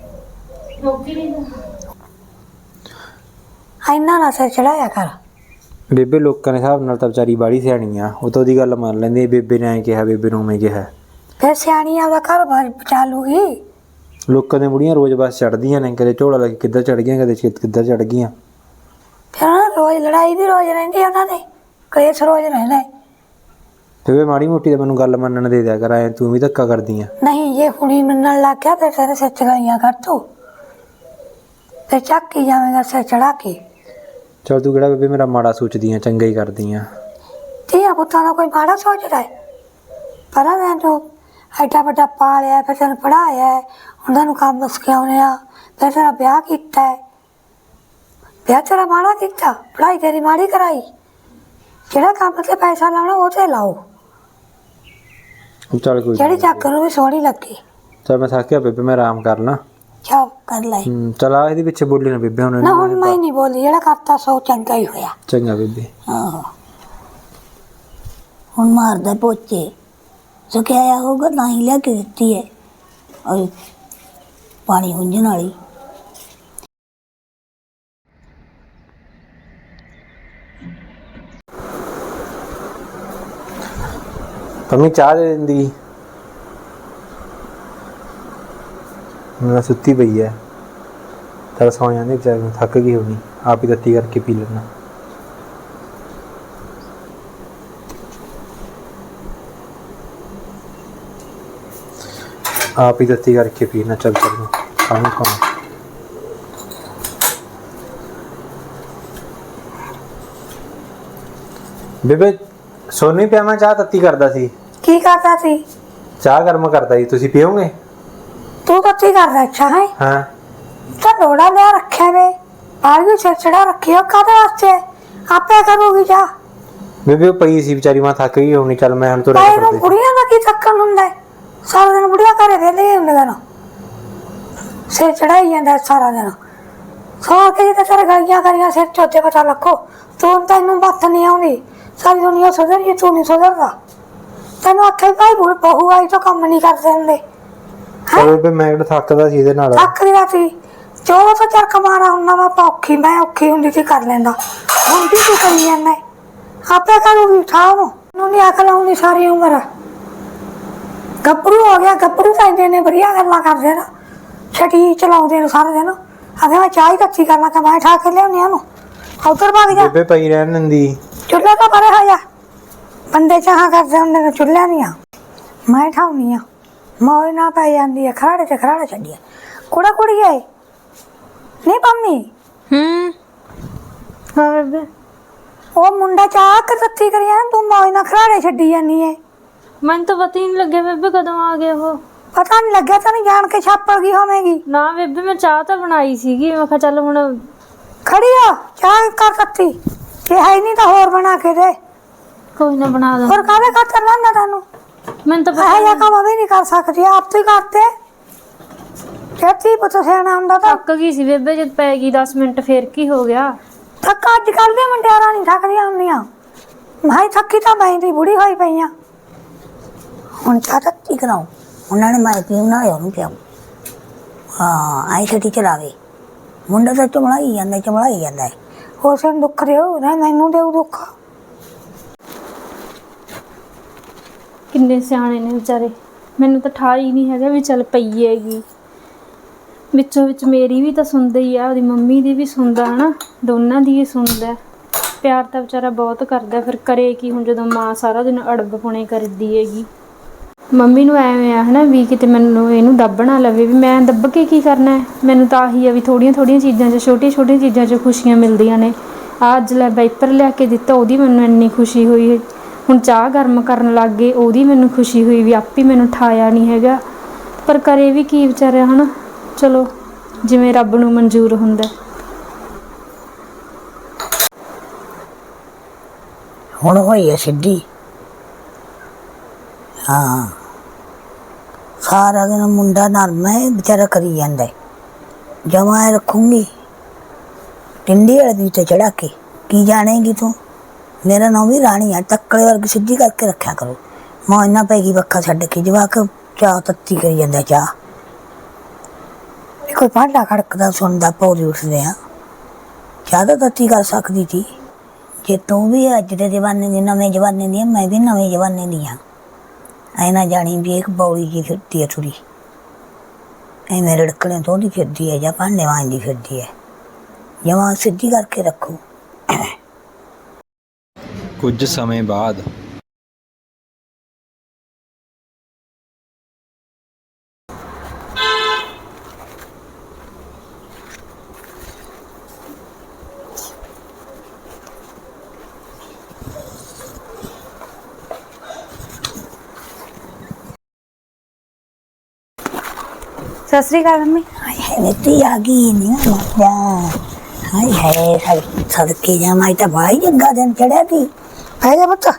A: ਇੰਨਾ ਨਾ ਸਿਰ ਚੜਾਇਆ ਕਰ।
B: ਬੇਬੇ ਲੋਕਾਂ ਦੇ ਹਿਸਾਬ ਨਾਲ ਤਾਂ ਵਿਚਾਰੀ ਬਾੜੀ ਸਿਆਣੀ ਆ, ਉਹ ਤਾਂ ਉਹਦੀ ਗੱਲ ਮੰਨ ਲੈਂਦੀ। ਬੇਬੇ ਨੇ ਐਂ ਕਿਹਾ, ਬੇਬੇ ਨੂੰ ਮੈਂ ਕਿਹਾ।
A: ਫਿਰ ਸਿਆਣੀ ਆਪਦਾ ਘਰ ਬਾਰ ਬਚਾ ਲੂਗੀ।
B: ਲੋਕਾਂ ਦੀਆਂ ਬੁੜੀਆਂ ਰੋਜ਼ ਬਸ ਚੜਦੀਆਂ ਨੇ, ਕਦੇ ਝੋਲਾ ਲੈ ਕੇ ਕਿੱਧਰ ਚੜ ਗਈਆਂ, ਕਦੇ ਛੇਤ ਕਿੱਧਰ ਚੜ ਗਈਆਂ।
A: ਫਿਰ ਉਹਨਾਂ ਦੀ ਰੋਜ਼ ਲੜਾਈ ਵੀ ਰੋਜ਼ ਰਹਿੰਦੀ ਉਹਨਾਂ ਦੇ, ਕਲੇਸ਼ ਰੋਜ਼ ਰਹਿੰਦਾ।
B: ਬੇਬੇ ਮਾੜੀ ਮੋਟੀ ਤਾਂ ਮੈਨੂੰ ਗੱਲ ਮੰਨਣ ਦੇ ਦਿਆ ਕਰ, ਐ ਤੂੰ ਵੀ ਧੱਕਾ ਕਰਦੀ ਆ।
A: ਨਹੀਂ ਜੇ ਹੁਣੀ ਮੰਨਣ ਲੱਗ ਗਿਆ ਫਿਰ ਤੇਰੇ ਸਿਰ ਚ ਗਲੀਆਂ ਕਰ ਤੂੰ। ਫਿਰ ਚੱਕ ਹੀ ਜਾਵੇਂਗਾ ਸਿਰ ਚੜਾ ਕੇ।
B: ਚਲ ਤੂੰ ਕਿਹੜਾ ਬੇਬੇ ਮੇਰਾ ਮਾੜਾ ਸੋਚਦੀ ਆ, ਚੰਗਾ ਹੀ ਕਰਦੀ ਆ।
A: ਧੀਆਂ ਪੁੱਤਾਂ ਦਾ ਕੋਈ ਮਾੜਾ ਸੋਚਦਾ ਹੈ? ਪਰ ਮੈਂ ਤੂੰ ਐਡਾ ਵੱਡਾ ਪਾਲਿਆ, ਫਿਰ ਤੈਨੂੰ ਪੜ੍ਹਾਇਆ, ਉਹਨਾਂ ਨੂੰ ਕੰਮ ਸਿਖਾਉਂਦੇ ਆ, ਫਿਰ ਤੇਰਾ ਵਿਆਹ ਕੀਤਾ ਹੈ। ਵਿਆਹ ਤੇਰਾ ਮਾੜਾ ਕੀਤਾ, ਪੜ੍ਹਾਈ ਤੇਰੀ ਮਾੜੀ ਕਰਾਈ। ਜਿਹੜਾ ਕੰਮ ਤੇ ਪੈਸਾ ਲਾਉਣਾ ਉਹ ਤੇ ਲਾਓ,
B: ਚੱਲ ਕੋਈ
A: ਜਿਹੜੀ ਚੱਕ ਨੂੰ ਵੀ ਸੋਹਣੀ ਲੱਗੇ।
B: ਚਲ ਮੈਂ ਥੱਕਿਆ ਬੇਬੇ, ਮੈਂ ਆਰਾਮ ਕਰਨਾ।
A: ਚੱਲ ਕਰ ਲੈ।
B: ਹੂੰ ਚਲ ਆ ਇਹਦੇ ਪਿੱਛੇ ਬੋਲੀ ਨਾ ਬੇਬੇ ਹੁਣ।
A: ਨਾ ਹੁਣ ਮੈਂ ਨਹੀਂ ਬੋਲੀ, ਜਿਹੜਾ ਕਰਤਾ ਸੋ ਚੰਗਾ ਹੀ ਹੋਇਆ।
B: ਚੰਗਾ ਬੇਬੇ।
A: ਆਹੋ ਹੁਣ ਮਾਰਦਾ ਪੋਚੇ, ਸੁਕਿਆ ਹੋਊਗਾ ਤਾਂ ਹੀ ਲਿਆ ਕੇ ਦਿੱਤੀ ਹੈ ਔਰ ਪਾਣੀ ਹੁੰਝਣ ਵਾਲੀ।
B: ਪੰਮੀ ਚਾਹ ਦੇ ਦਿੰਦੀ, ਮੈਂ ਸੁੱਤੀ ਪਈ ਐ। ਚੱਲ ਸੌ ਜਾਂਦੀ ਵਿਚਾਰੀ ਨੂੰ, ਥੱਕ ਗਈ ਹੋਣੀ, ਆਪ ਹੀ ਤੱਤੀ ਕਰਕੇ ਪੀ ਲੈਣਾ। ਆਪ ਹੀ ਤੱਤੀ ਕਰਕੇ ਪੀਣਾ। ਚੱਲ ਚੱਲ ਖਾਣਾ ਖਾਣਾ। ਬੇਬੇ ਸੋਨੀ ਪਿਆ, ਮੈਂ ਚਾਹ ਤੱਤੀ ਕਰਦਾ ਸੀ।
A: ਕੀ ਕਰਦਾ ਸੀ?
B: ਚਾਹ ਗਰਮ ਕਰਦਾ ਸੀ, ਤੁਸੀਂ ਪੀਓਗੇ?
A: ਤੂੰ ਕੱਤੀ ਕਰਦਾ ਅੱਛਾ ਹੈ
B: ਹਾਂ
A: ਤਾਂ ਲੋੜਾ ਲਿਆ ਰੱਖਿਆ ਵੇ, ਬਾਹਰ ਵੀ ਸਿਰ ਚੜਾ ਰੱਖਿਆ ਕਾਹਦੇ ਵਾਸਤੇ? ਆਪੇ ਕਰੂਗੀ ਜਾ।
B: ਬੇਬੇ ਉਹ ਪਈ ਸੀ ਵਿਚਾਰੀ, ਮੈਂ ਥੱਕ ਗਈ ਹੋਣੀ। ਚੱਲ ਮੈਂ ਹੁਣ ਤੁਰ
A: ਭਾਈ ਨੂੰ
B: ਕਰਦੀ।
A: ਬੁੜੀਆਂ ਦਾ ਕੀ ਥੱਕਣ ਹੁੰਦਾ ਹੈ? ਸਾਰਾ ਦਿਨ ਬੁੜੀਆਂ ਘਰੇ ਵੇਲੇ ਹੁੰਦੀਆਂ ਨੇ, ਸਿਰ ਚੜਾਈ ਜਾਂਦਾ ਸਾਰਾ ਦਿਨ। ਸੌ ਕੇ ਜਿੱਤੇ ਤੇਰੇ ਗਾਈਆਂ ਕਰੀਆਂ ਸਿਰ ਚੋਤੇ ਪਤਾ ਲੱਖੋ। ਤੂੰ ਤੈਨੂੰ ਮੱਤ ਨਹੀਂ ਆਉਂਦੀ, ਸਾਰੀ ਦੁਨੀਆ ਸੁਧਰ ਗਈ, ਤੂੰ ਨਹੀਂ ਸੁਧਰਦਾ। ਤੈਨੂੰ ਆਖੇ ਭਾਈ ਬਹੂ ਆਈ ਤਾਂ ਕੰਮ ਨਹੀਂ ਕਰਦੇ ਹੁੰਦੇ।
B: ਚੱਲ ਬੇਬੇ ਮੈਂ ਕਿਹੜਾ ਥੱਕਦਾ ਸੀ ਇਹਦੇ ਨਾਲ।
A: ਥੱਕ ਰਿਹਾ ਸੀ, ਚੌਦਾਂ ਸੌ ਚਰਕ ਮਾਰਾ ਹੁੰਦਾ ਵਾ। ਔਖੀ ਮੈਂ ਔਖੀ ਹੁੰਦੀ ਸੀ ਕਰ ਲੈਂਦਾ, ਹੁਣ ਵੀ ਤੂੰ ਕਰੀ ਜਾਂਦਾ। ਆਪੇ ਕਰੂਗੀ ਠਾਹ ਨੂੰ, ਨੂੰ ਨਹੀਂ ਅਕਲ ਆਉਂਦੀ ਸਾਰੀ ਉਮਰ। ਗੱਭਰੂ ਹੋ ਗਿਆ, ਗੱਭਰੂ ਤਾਂ ਇੰਨੇ ਨੇ ਵਧੀਆ ਗੱਲਾਂ ਕਰਦੇ ਨਾ, ਛਟੀ ਚਲਾਉਂਦੇ ਨੇ ਸਾਰੇ ਦਿਨ। ਅਗੇ ਮੈਂ ਚਾਹ ਹੀ ਕੱਚੀ ਕਰਨਾ ਕਿ ਮੈਂ ਠਾ ਕੇ ਲਿਆਉਣੀ ਉਹਨੂੰ। ਉੱਧਰ ਭੱਗ ਜਾ,
B: ਬੇਬੇ ਪਈ ਰਹਿਣ ਦਿੰਦੀ।
A: ਚੁੱਲ੍ਹੇ ਤੋਂ ਪਰੇ ਹੋ ਜਾ। ਬੰਦੇ ਚਾਹਾਂ ਕਰਦੇ ਹੁੰਦੇ ਨੇ ਚੁੱਲ੍ਹਿਆਂ ਦੀਆਂ, ਮੈਂ ਠਾਉਣੀ ਆ। ਮੌਜ ਨਾ ਪੈ ਜਾਂਦੀ ਹੈ, ਖਰਾੜੇ ਤੇ ਖਰਾੜੇ ਛੱਡੀਏ। ਕੁੜਾ ਕੁੜੀ ਆਏ ਨਹੀਂ ਪੰਮੀ?
C: ਹੂੰ ਹਾਂ ਬੇਬੇ।
A: ਉਹ ਮੁੰਡਾ ਚਾਹ ਕੇ ਤੱਤੀ ਕਰਿਆ, ਤੂੰ ਮੌਜ ਨਾਲ ਖਰਾੜੇ ਛੱਡੀ ਜਾਂਦੀ ਏ।
C: ਮੈਨੂੰ ਤਾਂ ਪਤਾ ਹੀ ਨਹੀਂ ਲੱਗਿਆ ਬੇਬੇ ਕਦੋਂ ਆ ਗਏ ਉਹ।
A: ਪਤਾ ਨਹੀਂ ਲੱਗਿਆ, ਤੈਨੂੰ ਜਾਣ ਕੇ ਛਾਪੜ ਗਈ ਹੋਵੇਗੀ।
C: ਨਾ ਬੇਬੇ ਮੈਂ ਚਾਹ ਤਾਂ ਬਣਾਈ ਸੀਗੀ, ਮੈਂ ਕਿਹਾ ਚੱਲ ਹੁਣ
A: ਖੜੀ ਆ ਚਾਹ ਕਰ ਤੱਤੀ, ਜੇ ਹੈ ਨਹੀਂ ਤਾਂ ਹੋਰ ਬਣਾ ਕੇ ਦੇ।
C: ਕੋਈ ਨਾ ਬਣਾ ਦਾਂ।
A: ਹੋਰ ਕਾਹਦੇ ਖਾਤਰ ਲੈਂਦਾ ਤੈਨੂੰ?
C: ਮੈਨੂੰ ਤਾਂ
A: ਇਹ
C: ਪਤਾ
A: ਜਿਹਾ ਕੰਮ ਵੀ ਨਹੀਂ ਕਰ ਸਕਦੀ, ਆਪ ਤੂੰ ਹੀ ਕਰਤੇ। ਛੇਤੀ ਪੁੱਤ ਸਿਆਣਾ ਹੁੰਦਾ ਤਾਂ
C: ਥੱਕ ਗਈ ਸੀ ਬੇਬੇ, ਜਦ ਪੈ ਗਈ ਦਸ ਮਿੰਟ ਫੇਰ ਕੀ ਹੋ ਗਿਆ।
A: ਥੱਕ ਅੱਜ ਕੱਲ੍ਹ ਦੇ ਮੁੰਡਿਆਰਾਂ ਨਹੀਂ ਥੱਕਦੀਆਂ ਹੁੰਦੀਆਂ। ਮਾਈ ਥੱਕੀ ਤਾਂ ਮੈਂ ਦੀ ਬੁੜੀ ਹੋਈ ਪਈ ਆ। ਹੁਣ ਚਾਹ ਤੱਤੀ ਕਰਾਉ ਉਹਨਾਂ ਨੇ ਮੈਂ ਪੀਉ ਨਾ ਉਹਨੂੰ ਪਿਆਉ। ਹਾਂ ਆਈ ਛੇਤੀ ਚਲਾਵੇ ਮੁੰਡਾ ਤਾਂ ਚਮਲਾਈ ਜਾਂਦਾ ਚਮਲਾਈ ਜਾਂਦਾ ਉਸ ਨੂੰ ਦੁੱਖ ਦਿਓ ਨਾ ਮੈਨੂੰ ਦਿਓ ਦੁੱਖ।
C: ਕਿੰਨੇ ਸਿਆਣੇ ਨੇ ਵਿਚਾਰੇ, ਮੈਨੂੰ ਤਾਂ ਠਾ ਹੀ ਨਹੀਂ ਹੈਗਾ ਵੀ ਚੱਲ ਪਈ ਹੈਗੀ। ਵਿੱਚੋਂ ਵਿੱਚ ਮੇਰੀ ਵੀ ਤਾਂ ਸੁਣਦਾ ਹੀ ਆ, ਉਹਦੀ ਮੰਮੀ ਦੀ ਵੀ ਸੁਣਦਾ ਹਨਾ, ਦੋਨਾਂ ਦੀ ਹੀ ਸੁਣਦਾ। ਪਿਆਰ ਤਾਂ ਵਿਚਾਰਾ ਬਹੁਤ ਕਰਦਾ, ਫਿਰ ਕਰੇ ਕੀ ਹੁਣ ਜਦੋਂ ਮਾਂ ਸਾਰਾ ਦਿਨ ਅੜਬ ਪੁਣੇ ਕਰਦੀ ਹੈਗੀ। ਮੰਮੀ ਨੂੰ ਐਵੇਂ ਆ ਹਨਾ ਵੀ ਕਿਤੇ ਮੈਨੂੰ ਇਹਨੂੰ ਦੱਬ ਨਾ ਲਵੇ, ਵੀ ਮੈਂ ਦੱਬ ਕੇ ਕੀ ਕਰਨਾ ਹੈ। ਮੈਨੂੰ ਤਾਂ ਆਹੀ ਆ ਵੀ ਥੋੜ੍ਹੀਆਂ ਥੋੜ੍ਹੀਆਂ ਚੀਜ਼ਾਂ 'ਚ ਛੋਟੀਆਂ ਛੋਟੀਆਂ ਚੀਜ਼ਾਂ 'ਚ ਖੁਸ਼ੀਆਂ ਮਿਲਦੀਆਂ ਨੇ। ਆਹ ਅੱਜ ਲੈ ਵਾਈਪਰ ਲਿਆ ਕੇ ਦਿੱਤਾ, ਉਹਦੀ ਮੈਨੂੰ ਇੰਨੀ ਖੁਸ਼ੀ ਹੋਈ। ਹੁਣ ਚਾਹ ਗਰਮ ਕਰਨ ਲੱਗ ਗਏ, ਉਹਦੀ ਮੈਨੂੰ ਖੁਸ਼ੀ ਹੋਈ ਵੀ ਆਪੇ ਮੈਨੂੰ ਠਾਇਆ ਨਹੀਂ ਹੈਗਾ। ਪਰ ਕਰੇ ਵੀ ਕੀ ਵਿਚਾਰਾ ਹਨਾ, ਚਲੋ ਜਿਵੇਂ ਰੱਬ ਨੂੰ ਮਨਜ਼ੂਰ ਹੁੰਦਾ।
A: ਹੁਣ ਹੋਈ ਹੈ ਸਿੱਧੀ। ਹਾਂ ਸਾਰਾ ਦਿਨ ਮੁੰਡਾ ਨਰਮ ਹੈ ਵਿਚਾਰਾ ਕਰੀ ਜਾਂਦਾ। ਜਮਾ ਰੱਖੂੰਗੀ ਟਿੰਡੀ ਵਾਲੇ ਦੀ ਤੇ ਚੜਾ ਕੇ ਕੀ ਜਾਣੇਗੀ ਤੂੰ। ਮੇਰਾ ਨਾਂ ਵੀ ਰਾਣੀ ਆ, ਤੱਕੜੇ ਵਰਗੀ ਸਿੱਧੀ ਕਰਕੇ ਰੱਖਿਆ ਕਰੋ। ਮਾਂ ਇੰਨਾ ਪੈ ਗਈ ਵੱਖਾ ਛੱਡ ਕੇ ਜਵਾਕ ਚਾਹ ਤੱਤੀ ਕਰੀ ਜਾਂਦਾ। ਚਾਹ ਕੋਈ ਭਾਂਡਾ ਖੜਕਦਾ ਸੁਣਦਾ ਪੌੜੀ ਉੱਠਦੇ ਆ। ਚਾਹ ਤਾਂ ਤੱਤੀ ਕਰ ਸਕਦੀ ਸੀ ਜੇ ਤੂੰ ਵੀ ਅੱਜ ਦੇ ਜ਼ਮਾਨੇ ਦੀ ਨਵੇਂ ਜ਼ਮਾਨੇ ਦੀ ਮੈਂ ਵੀ ਨਵੇਂ ਜ਼ਮਾਨੇ ਦੀ ਹਾਂ। ਐ ਨਾ ਜਾਣੀ ਵੀ ਇੱਕ ਬੌਲੀ ਜੀ ਫਿਰਦੀ ਹੈ ਥੋੜੀ ਐਵੇਂ ਰੜਕਣੇ ਤੋਂ ਦੀ ਫਿਰਦੀ ਹੈ ਜਾਂ ਭਾਂਡੇ ਮਾਂਜਦੀ ਫਿਰਦੀ ਹੈ। ਜਮਾਂ ਸਿੱਧੀ ਕਰਕੇ ਰੱਖੋ।
B: ਕੁਝ ਸਮੇਂ ਬਾਅਦ
C: ਸਤਿ ਸ੍ਰੀ ਅਕਾਲ ਮੰਮੀ।
A: ਹਾਏ ਹਾਏ ਨੀਤੀ ਆ ਗਈ ਨਹੀਂ ਮਾਪਿਆ। ਹਾਏ ਹਾਏ ਸੜ ਸੜਕੇ ਜਾ ਮੈਂ ਤਾਂ ਭਾਈ ਜੱਗਾ ਦਿਨ ਚੜਿਆ ਸੀ। ਪੈ ਜਾ ਬੱਚਾ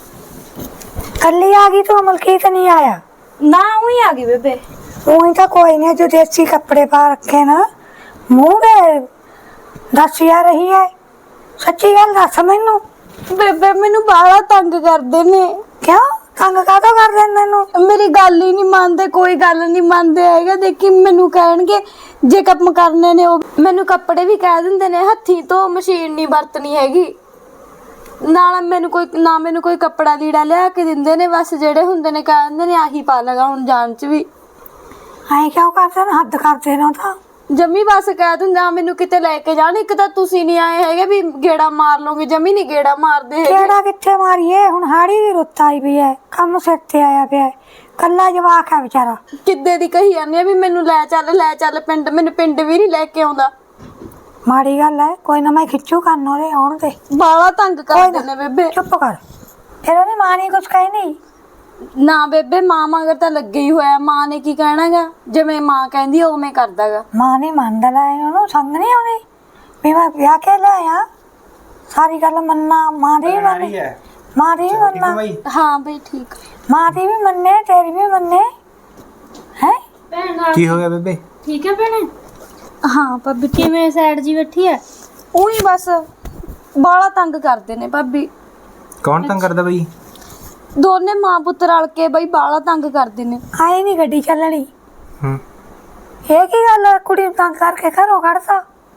A: ਕੱਲੀ ਆ ਗਈ ਤੂੰ ਮਲਕੀਤ ਨਹੀਂ ਆਇਆ
C: ਨਾ ਉਹੀ ਆ ਗਈ ਬੇਬੇ।
A: ਉਹੀ ਤਾਂ ਕੋਈ ਨਹੀਂ ਜੋ ਦੇਸੀ ਕੱਪੜੇ ਪਾ ਰੱਖੇ ਨਾ ਮੂੰਹ ਦੇ ਦੱਸ ਆ ਰਹੀ ਹੈ। ਸੱਚੀ ਗੱਲ ਦੱਸ ਮੈਨੂੰ।
D: ਬੇਬੇ ਮੈਨੂੰ ਬਾਹਲਾ ਤੰਗ ਕਰਦੇ ਨੇ।
A: ਕਿਉਂ ਤੰਗ ਕਾਹਤੋਂ ਕਰਦੇ ਨੇ ਤੈਨੂੰ।
D: ਮੇਰੀ ਗੱਲ ਹੀ ਨਹੀਂ ਮੰਨਦੇ, ਕੋਈ ਗੱਲ ਨਹੀਂ ਮੰਨਦੇ ਹੈਗੇ। ਦੇਖੀ ਮੈਨੂੰ ਕਹਿਣਗੇ ਜੇ ਕੰਮ ਕਰਨੇ ਨੇ ਉਹ ਮੈਨੂੰ ਕੱਪੜੇ ਵੀ ਕਹਿ ਦਿੰਦੇ ਨੇ ਹੱਥੀਂ ਤੋਂ ਮਸ਼ੀਨ ਨਹੀਂ ਵਰਤਣੀ ਹੈਗੀ। ਨਾਲ ਮੈਨੂੰ ਕੋਈ ਨਾ ਮੈਨੂੰ ਕੋਈ ਕੱਪੜਾ ਲੀੜਾ ਲਿਆ ਕੇ ਦਿੰਦੇ ਨੇ, ਬਸ ਜਿਹੜੇ ਹੁੰਦੇ ਨੇ ਕਹਿ ਦਿੰਦੇ ਨੇ ਆਹੀ ਪਾ ਲਗਾ ਹੁਣ ਜਾਣ ਚ ਵੀ।
A: ਐਂ ਕਿਉਂ ਕਰਦੇ ਨੇ ਹੱਦ ਕਰਦੇ ਨੇ ਤਾਂ
D: ਜਮੀ ਬਸ ਕਹਿ ਦਿੰਦੇ ਆ ਮੈਨੂੰ ਕਿਤੇ ਲੈ ਕੇ ਜਾਣ। ਇੱਕ ਤਾਂ ਤੁਸੀਂ ਨਹੀਂ ਆਏ ਹੈਗੇ ਵੀ ਗੇੜਾ ਮਾਰ ਲੋਗੇ, ਜਮੀ ਨਹੀਂ ਗੇੜਾ ਮਾਰਦੇ ਹੈਗੇ।
A: ਕਿਹੜਾ ਕਿੱਥੇ ਮਾਰੀਏ ਹੁਣ ਹਾੜੀ ਦੀ ਰੁੱਤ ਆਈ ਵੀ ਹੈ, ਕੰਮ ਸਿਰ ਤੇ ਆਇਆ ਪਿਆ ਕੱਲਾ ਜਵਾਕ ਹੈ ਵਿਚਾਰਾ।
D: ਕਿੱਦੇ ਦੀ ਕਹੀ ਜਾਂਦੀ ਆ ਵੀ ਮੈਨੂੰ ਲੈ ਚੱਲ ਲੈ ਚੱਲ ਪਿੰਡ, ਮੈਨੂੰ ਪਿੰਡ ਵੀ ਨਹੀਂ ਲੈ ਕੇ ਆਉਂਦਾ।
A: ਮਾੜੀ ਗੱਲ ਹੈ, ਕੋਈ ਨਾ ਮੈਂ ਖਿੱਚੂ ਕੰਨ ਉਹਦੇ ਆਉਣ ਤੇ।
D: ਬਾਲਾ ਤੰਗ ਕਰਦੇ ਨੇ ਬੇਬੇ।
A: ਚੁੱਪ ਕਰ ਫਿਰ ਉਹਦੀ ਮਾਂ ਨੇ ਕੁਛ ਕਹੀ ਨਹੀਂ।
D: ਨਾ ਬੇਬੇ ਮਾਂ ਮਗਰ ਤਾਂ ਲੱਗੇ ਹੀ ਹੋਇਆ, ਮਾਂ ਨੇ ਕੀ ਕਹਿਣਾਗਾ। ਜਿਵੇਂ ਮਾਂ ਕਹਿੰਦੀ ਉਵੇਂ ਕਰਦਾਗਾ।
A: ਮਾਂ ਨਹੀਂ ਮੰਨਦਾ ਲੈ ਉਹਨੂੰ ਸੰਗ ਨਹੀਂ ਆਉਂਦੀ ਵੀ ਮੈਂ ਵਿਆਹ ਕੇ ਲਿਆਇਆ। ਸਾਰੀ ਗੱਲ ਮੰਨਣਾ ਮਾਂ ਦੀ ਵੀ ਮੰਨੇ ਮਾਂ ਦੀ ਵੀ ਮੰਨਣਾ।
D: ਹਾਂ ਬਈ ਠੀਕ।
A: ਮਾਂ ਦੀ ਵੀ ਮੰਨੇ ਤੇਰੀ ਵੀ ਮੰਨੇ ਹੈ।
C: ਭੈਣ
B: ਕੀ ਹੋ ਗਿਆ ਬੇਬੇ?
C: ਠੀਕ ਹੈ ਭੈਣੇ।
D: ਹਾਂ ਭਾਬੀ
C: ਕਿਵੇਂ ਸਾਈਡ ਜੀ ਬੈਠੀ ਹੈ?
D: ਉਹੀ ਬਸ ਬਾਲਾ ਤੰਗ ਕਰਦੇ ਨੇ ਭਾਬੀ।
B: ਕੌਣ ਤੰਗ ਕਰਦਾ ਬਈ?
D: ਦੋਨੇ ਮਾਂ ਪੁੱਤ ਰਲ ਕੇ ਬਈ ਬਾਲਾ ਤੰਗ ਕਰਦੇ ਨੇ।
A: ਆਏ ਨਹੀਂ ਗੱਡੀ ਚੱਲਣੀ।
B: ਹੂੰ
A: ਇਹ ਕੀ ਗੱਲ ਹੈ, ਕੁੜੀ ਨੂੰ ਤੰਗ ਕਰਕੇ ਘਰੋਂ ਕੱਢਤਾ।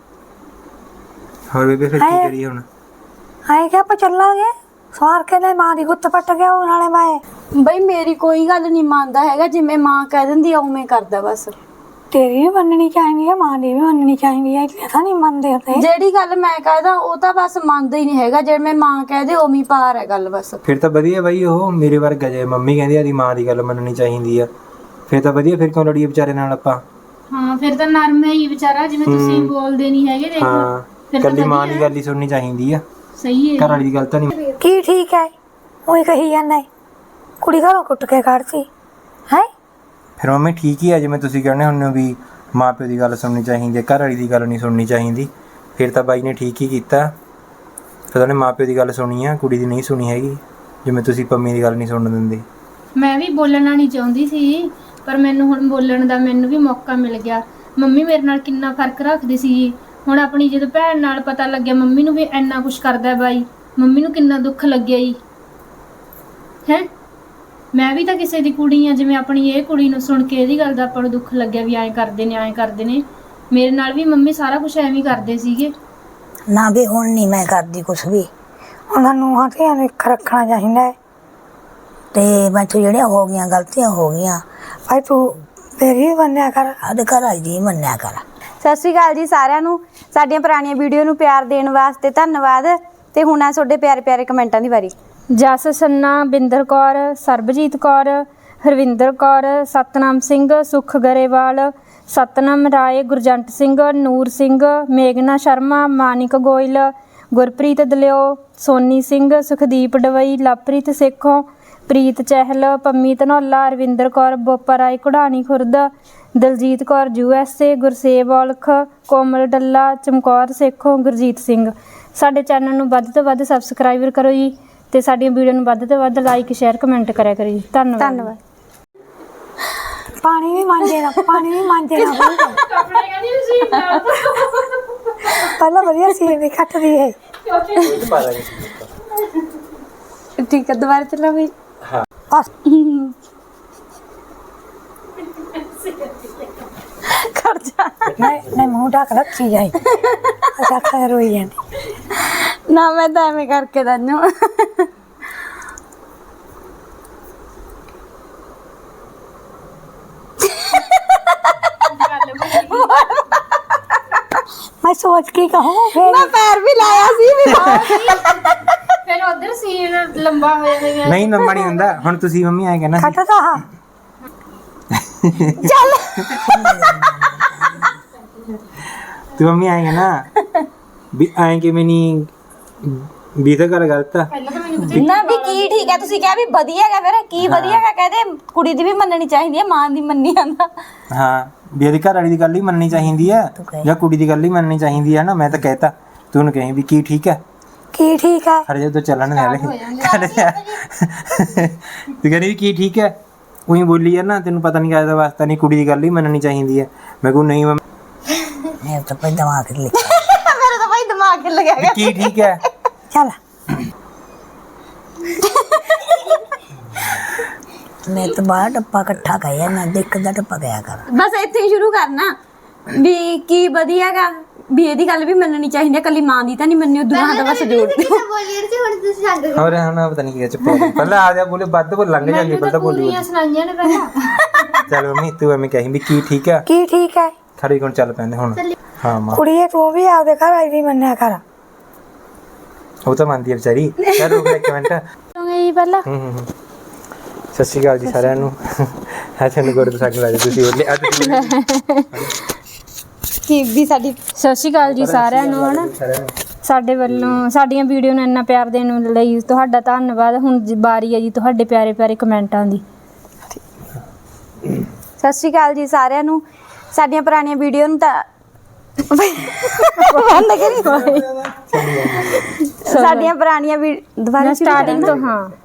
B: ਹੋਰ ਬੇਬੇ ਫਿਰ ਕੀ ਕਰੀਏ ਹੁਣ?
A: ਆਏ ਕਿ ਆਪਾਂ ਚੱਲਾਂਗੇ ਸਵਾਰ ਕੇ ਲੈ ਮਾਂ ਦੀ ਗੁੱਤ ਪੱਟ ਗਿਆ ਉਹ ਨਾਲੇ ਮੈਂ।
D: ਬਈ ਮੇਰੀ ਕੋਈ ਗੱਲ ਨਹੀਂ ਮੰਨਦਾ ਹੈਗਾ, ਜਿਵੇਂ ਮਾਂ ਕਹਿ ਦਿੰਦੀ ਆ ਉਵੇਂ ਕਰਦਾ ਬਸ।
A: ਤੇਰੀ ਵੀ ਮੰਨਣੀ ਚਾਹੀਦੀ ਹੈ, ਮਾਂ ਦੀ ਵੀ ਮੰਨਣੀ ਚਾਹੀਦੀ ਹੈ। ਇਹ ਤਾਂ ਨਹੀਂ ਮੰਨਦੇ ਹੁੰਦੇ।
D: ਜਿਹੜੀ ਗੱਲ ਮੈਂ ਕਹਦਾ ਉਹ ਤਾਂ ਬਸ ਮੰਨਦਾ ਹੀ ਨਹੀਂ ਹੈਗਾ, ਜਿਵੇਂ ਮਾਂ ਕਹਦੇ ਉਵੇਂ ਪਾਰ ਹੈ ਗੱਲ ਬਸ।
B: ਫਿਰ ਤਾਂ ਵਧੀਆ ਬਾਈ, ਉਹ ਮੇਰੇ ਵਰਗਾ ਜੇ ਮੰਮੀ ਕਹਿੰਦੀ ਆਦੀ ਮਾਂ ਦੀ ਗੱਲ ਮੰਨਣੀ ਚਾਹੀਦੀ ਆ ਫਿਰ ਤਾਂ ਵਧੀਆ। ਫਿਰ ਕਿਉਂ ਲੜੀਏ ਵਿਚਾਰੇ ਨਾਲ ਆਪਾਂ?
C: ਹਾਂ ਫਿਰ ਤਾਂ ਨਰਮ ਹੈ ਹੀ ਵਿਚਾਰਾ, ਜਿਵੇਂ ਤੁਸੀਂ ਬੋਲਦੇ ਨਹੀਂ ਹੈਗੇ। ਦੇਖੋ
B: ਹਾਂ ਕੱਲੀ ਮਾਂ ਦੀ ਗੱਲ ਹੀ ਸੁਣਨੀ ਚਾਹੀਦੀ ਆ,
C: ਸਹੀ ਹੈ।
B: ਘਰ ਵਾਲੀ ਦੀ ਗੱਲ ਤਾਂ ਨਹੀਂ।
A: ਕੀ ਠੀਕ ਹੈ ਉਹੀ ਕਹੀ ਜਾਂਦਾ ਕੁੜੀ ਘਰੋਂ ਕੁੱਟ ਕੇ ਕੱਢਤੀ ਹੈ।
B: ਫਿਰ ਮੰਮੀ ਠੀਕ ਹੀ ਆ, ਜਿਵੇਂ ਤੁਸੀਂ ਕਹਿੰਦੇ ਹੁੰਦੇ ਹੋ ਵੀ ਮਾਂ ਪਿਓ ਦੀ ਗੱਲ ਸੁਣਨੀ ਚਾਹੀਦੀ ਹੈ, ਘਰ ਵਾਲੀ ਦੀ ਗੱਲ ਨਹੀਂ ਸੁਣਨੀ ਚਾਹੀਦੀ। ਫਿਰ ਤਾਂ ਬਾਈ ਨੇ ਠੀਕ ਹੀ ਕੀਤਾ, ਫਿਰ ਉਹਨੇ ਮਾਂ ਪਿਓ ਦੀ ਗੱਲ ਸੁਣੀ ਆ, ਕੁੜੀ ਦੀ ਨਹੀਂ ਸੁਣੀ ਹੈਗੀ। ਜਿਵੇਂ ਤੁਸੀਂ ਪੰਮੀ ਦੀ ਗੱਲ ਨਹੀਂ ਸੁਣਨ ਦਿੰਦੇ।
C: ਮੈਂ ਵੀ ਬੋਲਣਾ ਨਹੀਂ ਚਾਹੁੰਦੀ ਸੀ, ਪਰ ਮੈਨੂੰ ਹੁਣ ਬੋਲਣ ਦਾ ਮੈਨੂੰ ਵੀ ਮੌਕਾ ਮਿਲ ਗਿਆ। ਮੰਮੀ ਮੇਰੇ ਨਾਲ ਕਿੰਨਾ ਫਰਕ ਰੱਖਦੀ ਸੀ ਜੀ। ਹੁਣ ਆਪਣੀ ਜਦੋਂ ਭੈਣ ਨਾਲ ਪਤਾ ਲੱਗਿਆ ਮੰਮੀ ਨੂੰ ਵੀ ਇੰਨਾ ਕੁਝ ਕਰਦਾ ਬਾਈ, ਮੰਮੀ ਨੂੰ ਕਿੰਨਾ ਦੁੱਖ ਲੱਗਿਆ ਜੀ। ਹੈ ਮੈਂ ਵੀ ਤਾਂ ਕਿਸੇ ਦੀ ਕੁੜੀ ਆ, ਜਿਵੇਂ ਆਪਣੀ ਇਹ ਕੁੜੀ ਨੂੰ ਸੁਣ ਕੇ ਇਹਦੀ ਗੱਲ ਦਾ ਆਪਾਂ ਨੂੰ ਦੁੱਖ ਲੱਗਿਆ ਵੀ ਐਂ ਕਰਦੇ ਨੇ ਐਂ ਕਰਦੇ ਨੇ। ਮੇਰੇ ਨਾਲ ਵੀ ਮੰਮੀ ਸਾਰਾ ਕੁਝ ਐਵੇਂ ਹੀ ਕਰਦੇ ਸੀਗੇ।
A: ਨਾ ਵੀ ਹੁਣ ਨਹੀਂ ਮੈਂ ਕਰਦੀ ਕੁਛ ਵੀ, ਉਹਨਾਂ ਨੂੰ ਹਾਂ ਧੀਆਂ ਨੂੰ ਇੱਕ ਰੱਖਣਾ ਚਾਹੀਦਾ ਹੈ। ਤੇ ਮੈਂ ਤੂੰ ਜਿਹੜੀਆਂ ਹੋ ਗਈਆਂ ਗਲਤੀਆਂ ਹੋ ਗਈਆਂ ਭਾਈ ਤੂੰ ਤੇਰੀ ਵੀ ਮੰਨਿਆ ਕਰ, ਸਾਡੇ ਘਰ ਆਈ ਦੀ ਮੰਨਿਆ ਕਰ।
D: ਸਤਿ ਸ਼੍ਰੀ ਅਕਾਲ ਜੀ ਸਾਰਿਆਂ ਨੂੰ। ਸਾਡੀਆਂ ਪੁਰਾਣੀਆਂ ਵੀਡੀਓ ਨੂੰ ਪਿਆਰ ਦੇਣ ਵਾਸਤੇ ਧੰਨਵਾਦ। ਤੇ ਹੁਣ ਆ ਤੁਹਾਡੇ ਪਿਆਰੇ ਪਿਆਰੇ ਕਮੈਂਟਾਂ ਦੀ ਵਾਰੀ।
C: ਜਸ ਸੰਨਾ, ਬਿੰਦਰ ਕੌਰ, ਸਰਬਜੀਤ ਕੌਰ, ਹਰਵਿੰਦਰ ਕੌਰ, ਸਤਨਾਮ ਸਿੰਘ, ਸੁਖ ਗਰੇਵਾਲ, ਸਤਨਾਮ ਰਾਏ, ਗੁਰਜੰਟ ਸਿੰਘ, ਨੂਰ ਸਿੰਘ, ਮੇਘਨਾ ਸ਼ਰਮਾ, ਮਾਨਿਕ ਗੋਇਲ, ਗੁਰਪ੍ਰੀਤ ਦਲਿਓ, ਸੋਨੀ ਸਿੰਘ, ਸੁਖਦੀਪ ਡਵਈ, Lovepreet Sekhon, Preet Chahal, Pammi Dhanaula, Ravinder Kaur, Bopa Rai Ghurani Khurd, Daljit Kaur U S A, Gursev Aulakh, Komal Dalla, Chamkaur Sekhon, Gurjeet Singh. ਸਾਡੇ ਚੈਨਲ ਨੂੰ ਵੱਧ ਤੋਂ ਵੱਧ ਸਬਸਕ੍ਰਾਈਬਰ ਕਰੋ ਜੀ, ਤੇ ਸਾਡੀਆਂ ਵੀਡੀਓ ਨੂੰ ਵੱਧ ਤੋਂ ਵੱਧ ਲਾਈਕ ਸ਼ੇਅਰ ਕਮੈਂਟ ਕਰਿਆ ਕਰੋ ਜੀ। ਧੰਨਵਾਦ
D: ਧੰਨਵਾਦ।
A: ਪਾਣੀ ਵੀ ਮਾਂਜੇ ਨਾ, ਪਾਣੀ ਵੀ ਮਾਂਜੇ ਨਾ।
C: ਕੱਪੜੇ ਕਹਿੰਦੀ ਸੀ
A: ਪਹਿਲਾਂ ਵਧੀਆ ਸੀ ਵੀ ਕੱਟਦੀ ਹੈ।
D: ਠੀਕ ਹੈ, ਦੁਬਾਰਾ ਚੱਲਾਂ ਵੀ।
A: ਬਸ
D: ਕਰ ਜਾ।
A: ਨਹੀਂ ਨਹੀਂ ਮੂੰਹ ਢੱਕ ਰੱਖੀ ਜਾਈ। ਅੱਛਾ ਖੈਰ ਹੋਈ ਜਾਂਦੀ
D: ਨਾ ਮੈਂ ਤਾਂ ਐਵੇਂ ਕਰਕੇ ਦੰਨੂ।
A: ਮੈਂ ਸੋਚ ਕੇ ਕਹੂੰ ਫਿਰ
D: ਮੈਂ ਪੈਰ ਵੀ ਲਾਇਆ ਸੀ ਵੀ।
C: ਫਿਰ ਉਧਰ ਸੀਨ ਲੰਬਾ ਹੋ ਜਾਵੇਗਾ।
B: ਨਹੀਂ ਲੰਮਾ ਨਹੀਂ ਹੁੰਦਾ। ਹੁਣ ਤੁਸੀਂ ਮੰਮੀ ਐਂ ਕਹਿਣਾ ਸੀ,
A: ਕੱਟਦਾ ਹਾਂ।
D: ਚੱਲ
B: ਤੂੰ ਮੰਮੀ ਐਂ ਕਹਿਣਾ ਵੀ ਐਂ ਕਿਵੇਂ ਨਹੀਂ, ਵੀ ਤਾਂ ਗੱਲ ਗਲਤ ਆ।
D: ਨਾ ਵੀ ਕੀ ਠੀਕ ਹੈ, ਤੁਸੀਂ ਕਿਹਾ ਵੀ ਵਧੀਆ ਹੈਗਾ, ਫਿਰ ਕੀ ਵਧੀਆ ਹੈਗਾ ਕਹਦੇ। ਕੁੜੀ ਦੀ ਵੀ ਮੰਨਣੀ ਚਾਹੀਦੀ ਹੈ, ਮਾਂ ਦੀ ਮੰਨੀ ਜਾਂਦਾ।
B: ਹਾਂ ਵੀ ਇਹਦੀ ਘਰ ਵਾਲੀ ਦੀ ਗੱਲ ਹੀ ਮੰਨਣੀ ਚਾਹੀਦੀ ਆ ਜਾਂ ਕੁੜੀ ਦੀ ਗੱਲ ਹੀ ਮੰਨਣੀ ਚਾਹੀਦੀ ਆ ਨਾ। ਮੈਂ ਤਾਂ ਕਹਿਤਾ ਤੂੰ ਉਹਨੂੰ ਕਹੀਂ ਵੀ ਕੀ ਠੀਕ ਹੈ,
A: ਕੀ ਠੀਕ ਹੈ।
B: ਹਰ ਜਦੋਂ ਚੱਲਣ ਵਾਲੇ ਤੂੰ ਕਹਿੰਦੀ ਵੀ ਕੀ ਠੀਕ ਹੈ, ਉਹੀ ਬੋਲੀ ਆ ਨਾ। ਤੈਨੂੰ ਪਤਾ ਨਹੀਂ ਕਾਹਦਾ ਵਾਸਤਾ ਨਹੀਂ, ਕੁੜੀ ਦੀ ਗੱਲ ਹੀ ਮੰਨਣੀ ਚਾਹੀਦੀ ਹੈ। ਮੈਂ ਕਹੂੰ ਨਹੀਂ
A: ਮੇਰੇ ਤਾਂ ਭਾਈ ਦਿਮਾਗ ਤੇ ਲਿਖਿਆ।
D: ਮੇਰਾ ਤਾਂ ਭਾਈ ਦਿਮਾਗ ਹਿੱਲ ਗਿਆ।
B: ਕੀ ਠੀਕ ਹੈ।
A: ਚੱਲ ਮੈਂ ਤਾਂ ਬਾਹਰ ਡੱਪਾ ਇਕੱਠਾ ਕਰਿਆ ਨਾ, ਦੇਖ ਦਾ ਡੱਪਾ ਗਿਆ ਕਰ।
D: ਬਸ ਇੱਥੇ ਹੀ ਸ਼ੁਰੂ ਕਰਨਾ ਵੀ ਕੀ ਵਧੀਆ ਹੈਗਾ, ਵੀ ਇਹਦੀ ਗੱਲ ਵੀ ਮੰਨਣੀ ਚਾਹੀਦੀ ਹੈ। ਕੱਲੀ ਮਾਂ ਦੀ ਤਾਂ ਨਹੀਂ ਮੰਨੀ, ਉਹ ਦੋਹਾਂ ਦਾ ਬਸ ਜੋੜ ਦਿਓ।
B: ਹੋਰ ਹੁਣ ਪਤਾ ਨਹੀਂ ਕੀ ਚੁੱਪ ਹੋ ਗਈ। ਪਹਿਲਾਂ ਆ ਜਾ ਬੋਲੇ ਵੱਧ ਬੋਲ ਲੰਘ ਜਾਂਦੀ, ਪਹਿਲਾਂ ਬੋਲੀ
C: ਕੁੜੀਆਂ ਸੁਣਾਈਆਂ ਨੇ ਪਹਿਲਾਂ।
B: ਚੱਲ ਮੰਮੀ ਤੂੰ ਐਵੇਂ ਕਹੀਂ ਵੀ ਕੀ ਠੀਕ ਹੈ।
A: ਕੀ ਠੀਕ ਹੈ।
B: ਖੜੀ ਕੋਣ ਚੱਲ ਪੈਂਦੇ ਹੁਣ। ਹਾਂ ਮਾਂ
A: ਕੁੜੀਏ ਤੂੰ ਵੀ ਆਪਦੇ ਘਰ ਆਈ ਦੀ ਮੰਨਿਆ ਕਰ।
B: ਉਹ ਤਾਂ ਮੰਨਦੀ ਹੈ ਵਿਚਾਰੀ। ਚੱਲ ਰੁਕ ਇੱਕ ਮਿੰਟ।
C: ਜੀ ਪਹਿਲਾਂ
B: ਹੂੰ ਹੂੰ ਹੂੰ। ਸਤਿ ਸ਼੍ਰੀ ਅਕਾਲ ਜੀ ਸਾਰਿਆਂ ਨੂੰ। ਆ ਤੁਹਾਨੂੰ ਗੁਰਦ ਸਾਗ ਲਾ ਤੁਸੀਂ ਬੋਲੇ ਅੱਜ
D: ਕੀ ਵੀ ਸਾਡੀ
C: ਸਤਿ ਸ਼੍ਰੀ ਅਕਾਲ ਜੀ ਸਾਰਿਆਂ ਨੂੰ। ਹਨਾ ਸਾਡੇ ਵੱਲੋਂ ਸਾਡੀਆਂ ਵੀਡੀਓ ਨੂੰ ਇੰਨਾ ਪਿਆਰ ਦੇਣ ਲਈ ਤੁਹਾਡਾ ਧੰਨਵਾਦ। ਹੁਣ ਜੀ ਵਾਰੀ ਹੈ ਜੀ ਤੁਹਾਡੇ ਪਿਆਰੇ ਪਿਆਰੇ ਕਮੈਂਟਾਂ ਦੀ।
D: ਸਤਿ ਸ਼੍ਰੀ ਅਕਾਲ ਜੀ ਸਾਰਿਆਂ ਨੂੰ। ਸਾਡੀਆਂ ਪੁਰਾਣੀਆਂ ਵੀਡੀਓ ਨੂੰ ਤਾਂ ਬੰਦ ਕਰੀ। ਸਾਡੀਆਂ ਪੁਰਾਣੀਆਂ ਵੀ ਦੁਬਾਰਾ
C: ਸਟਾਰਟਿੰਗ ਤੋਂ ਹਾਂ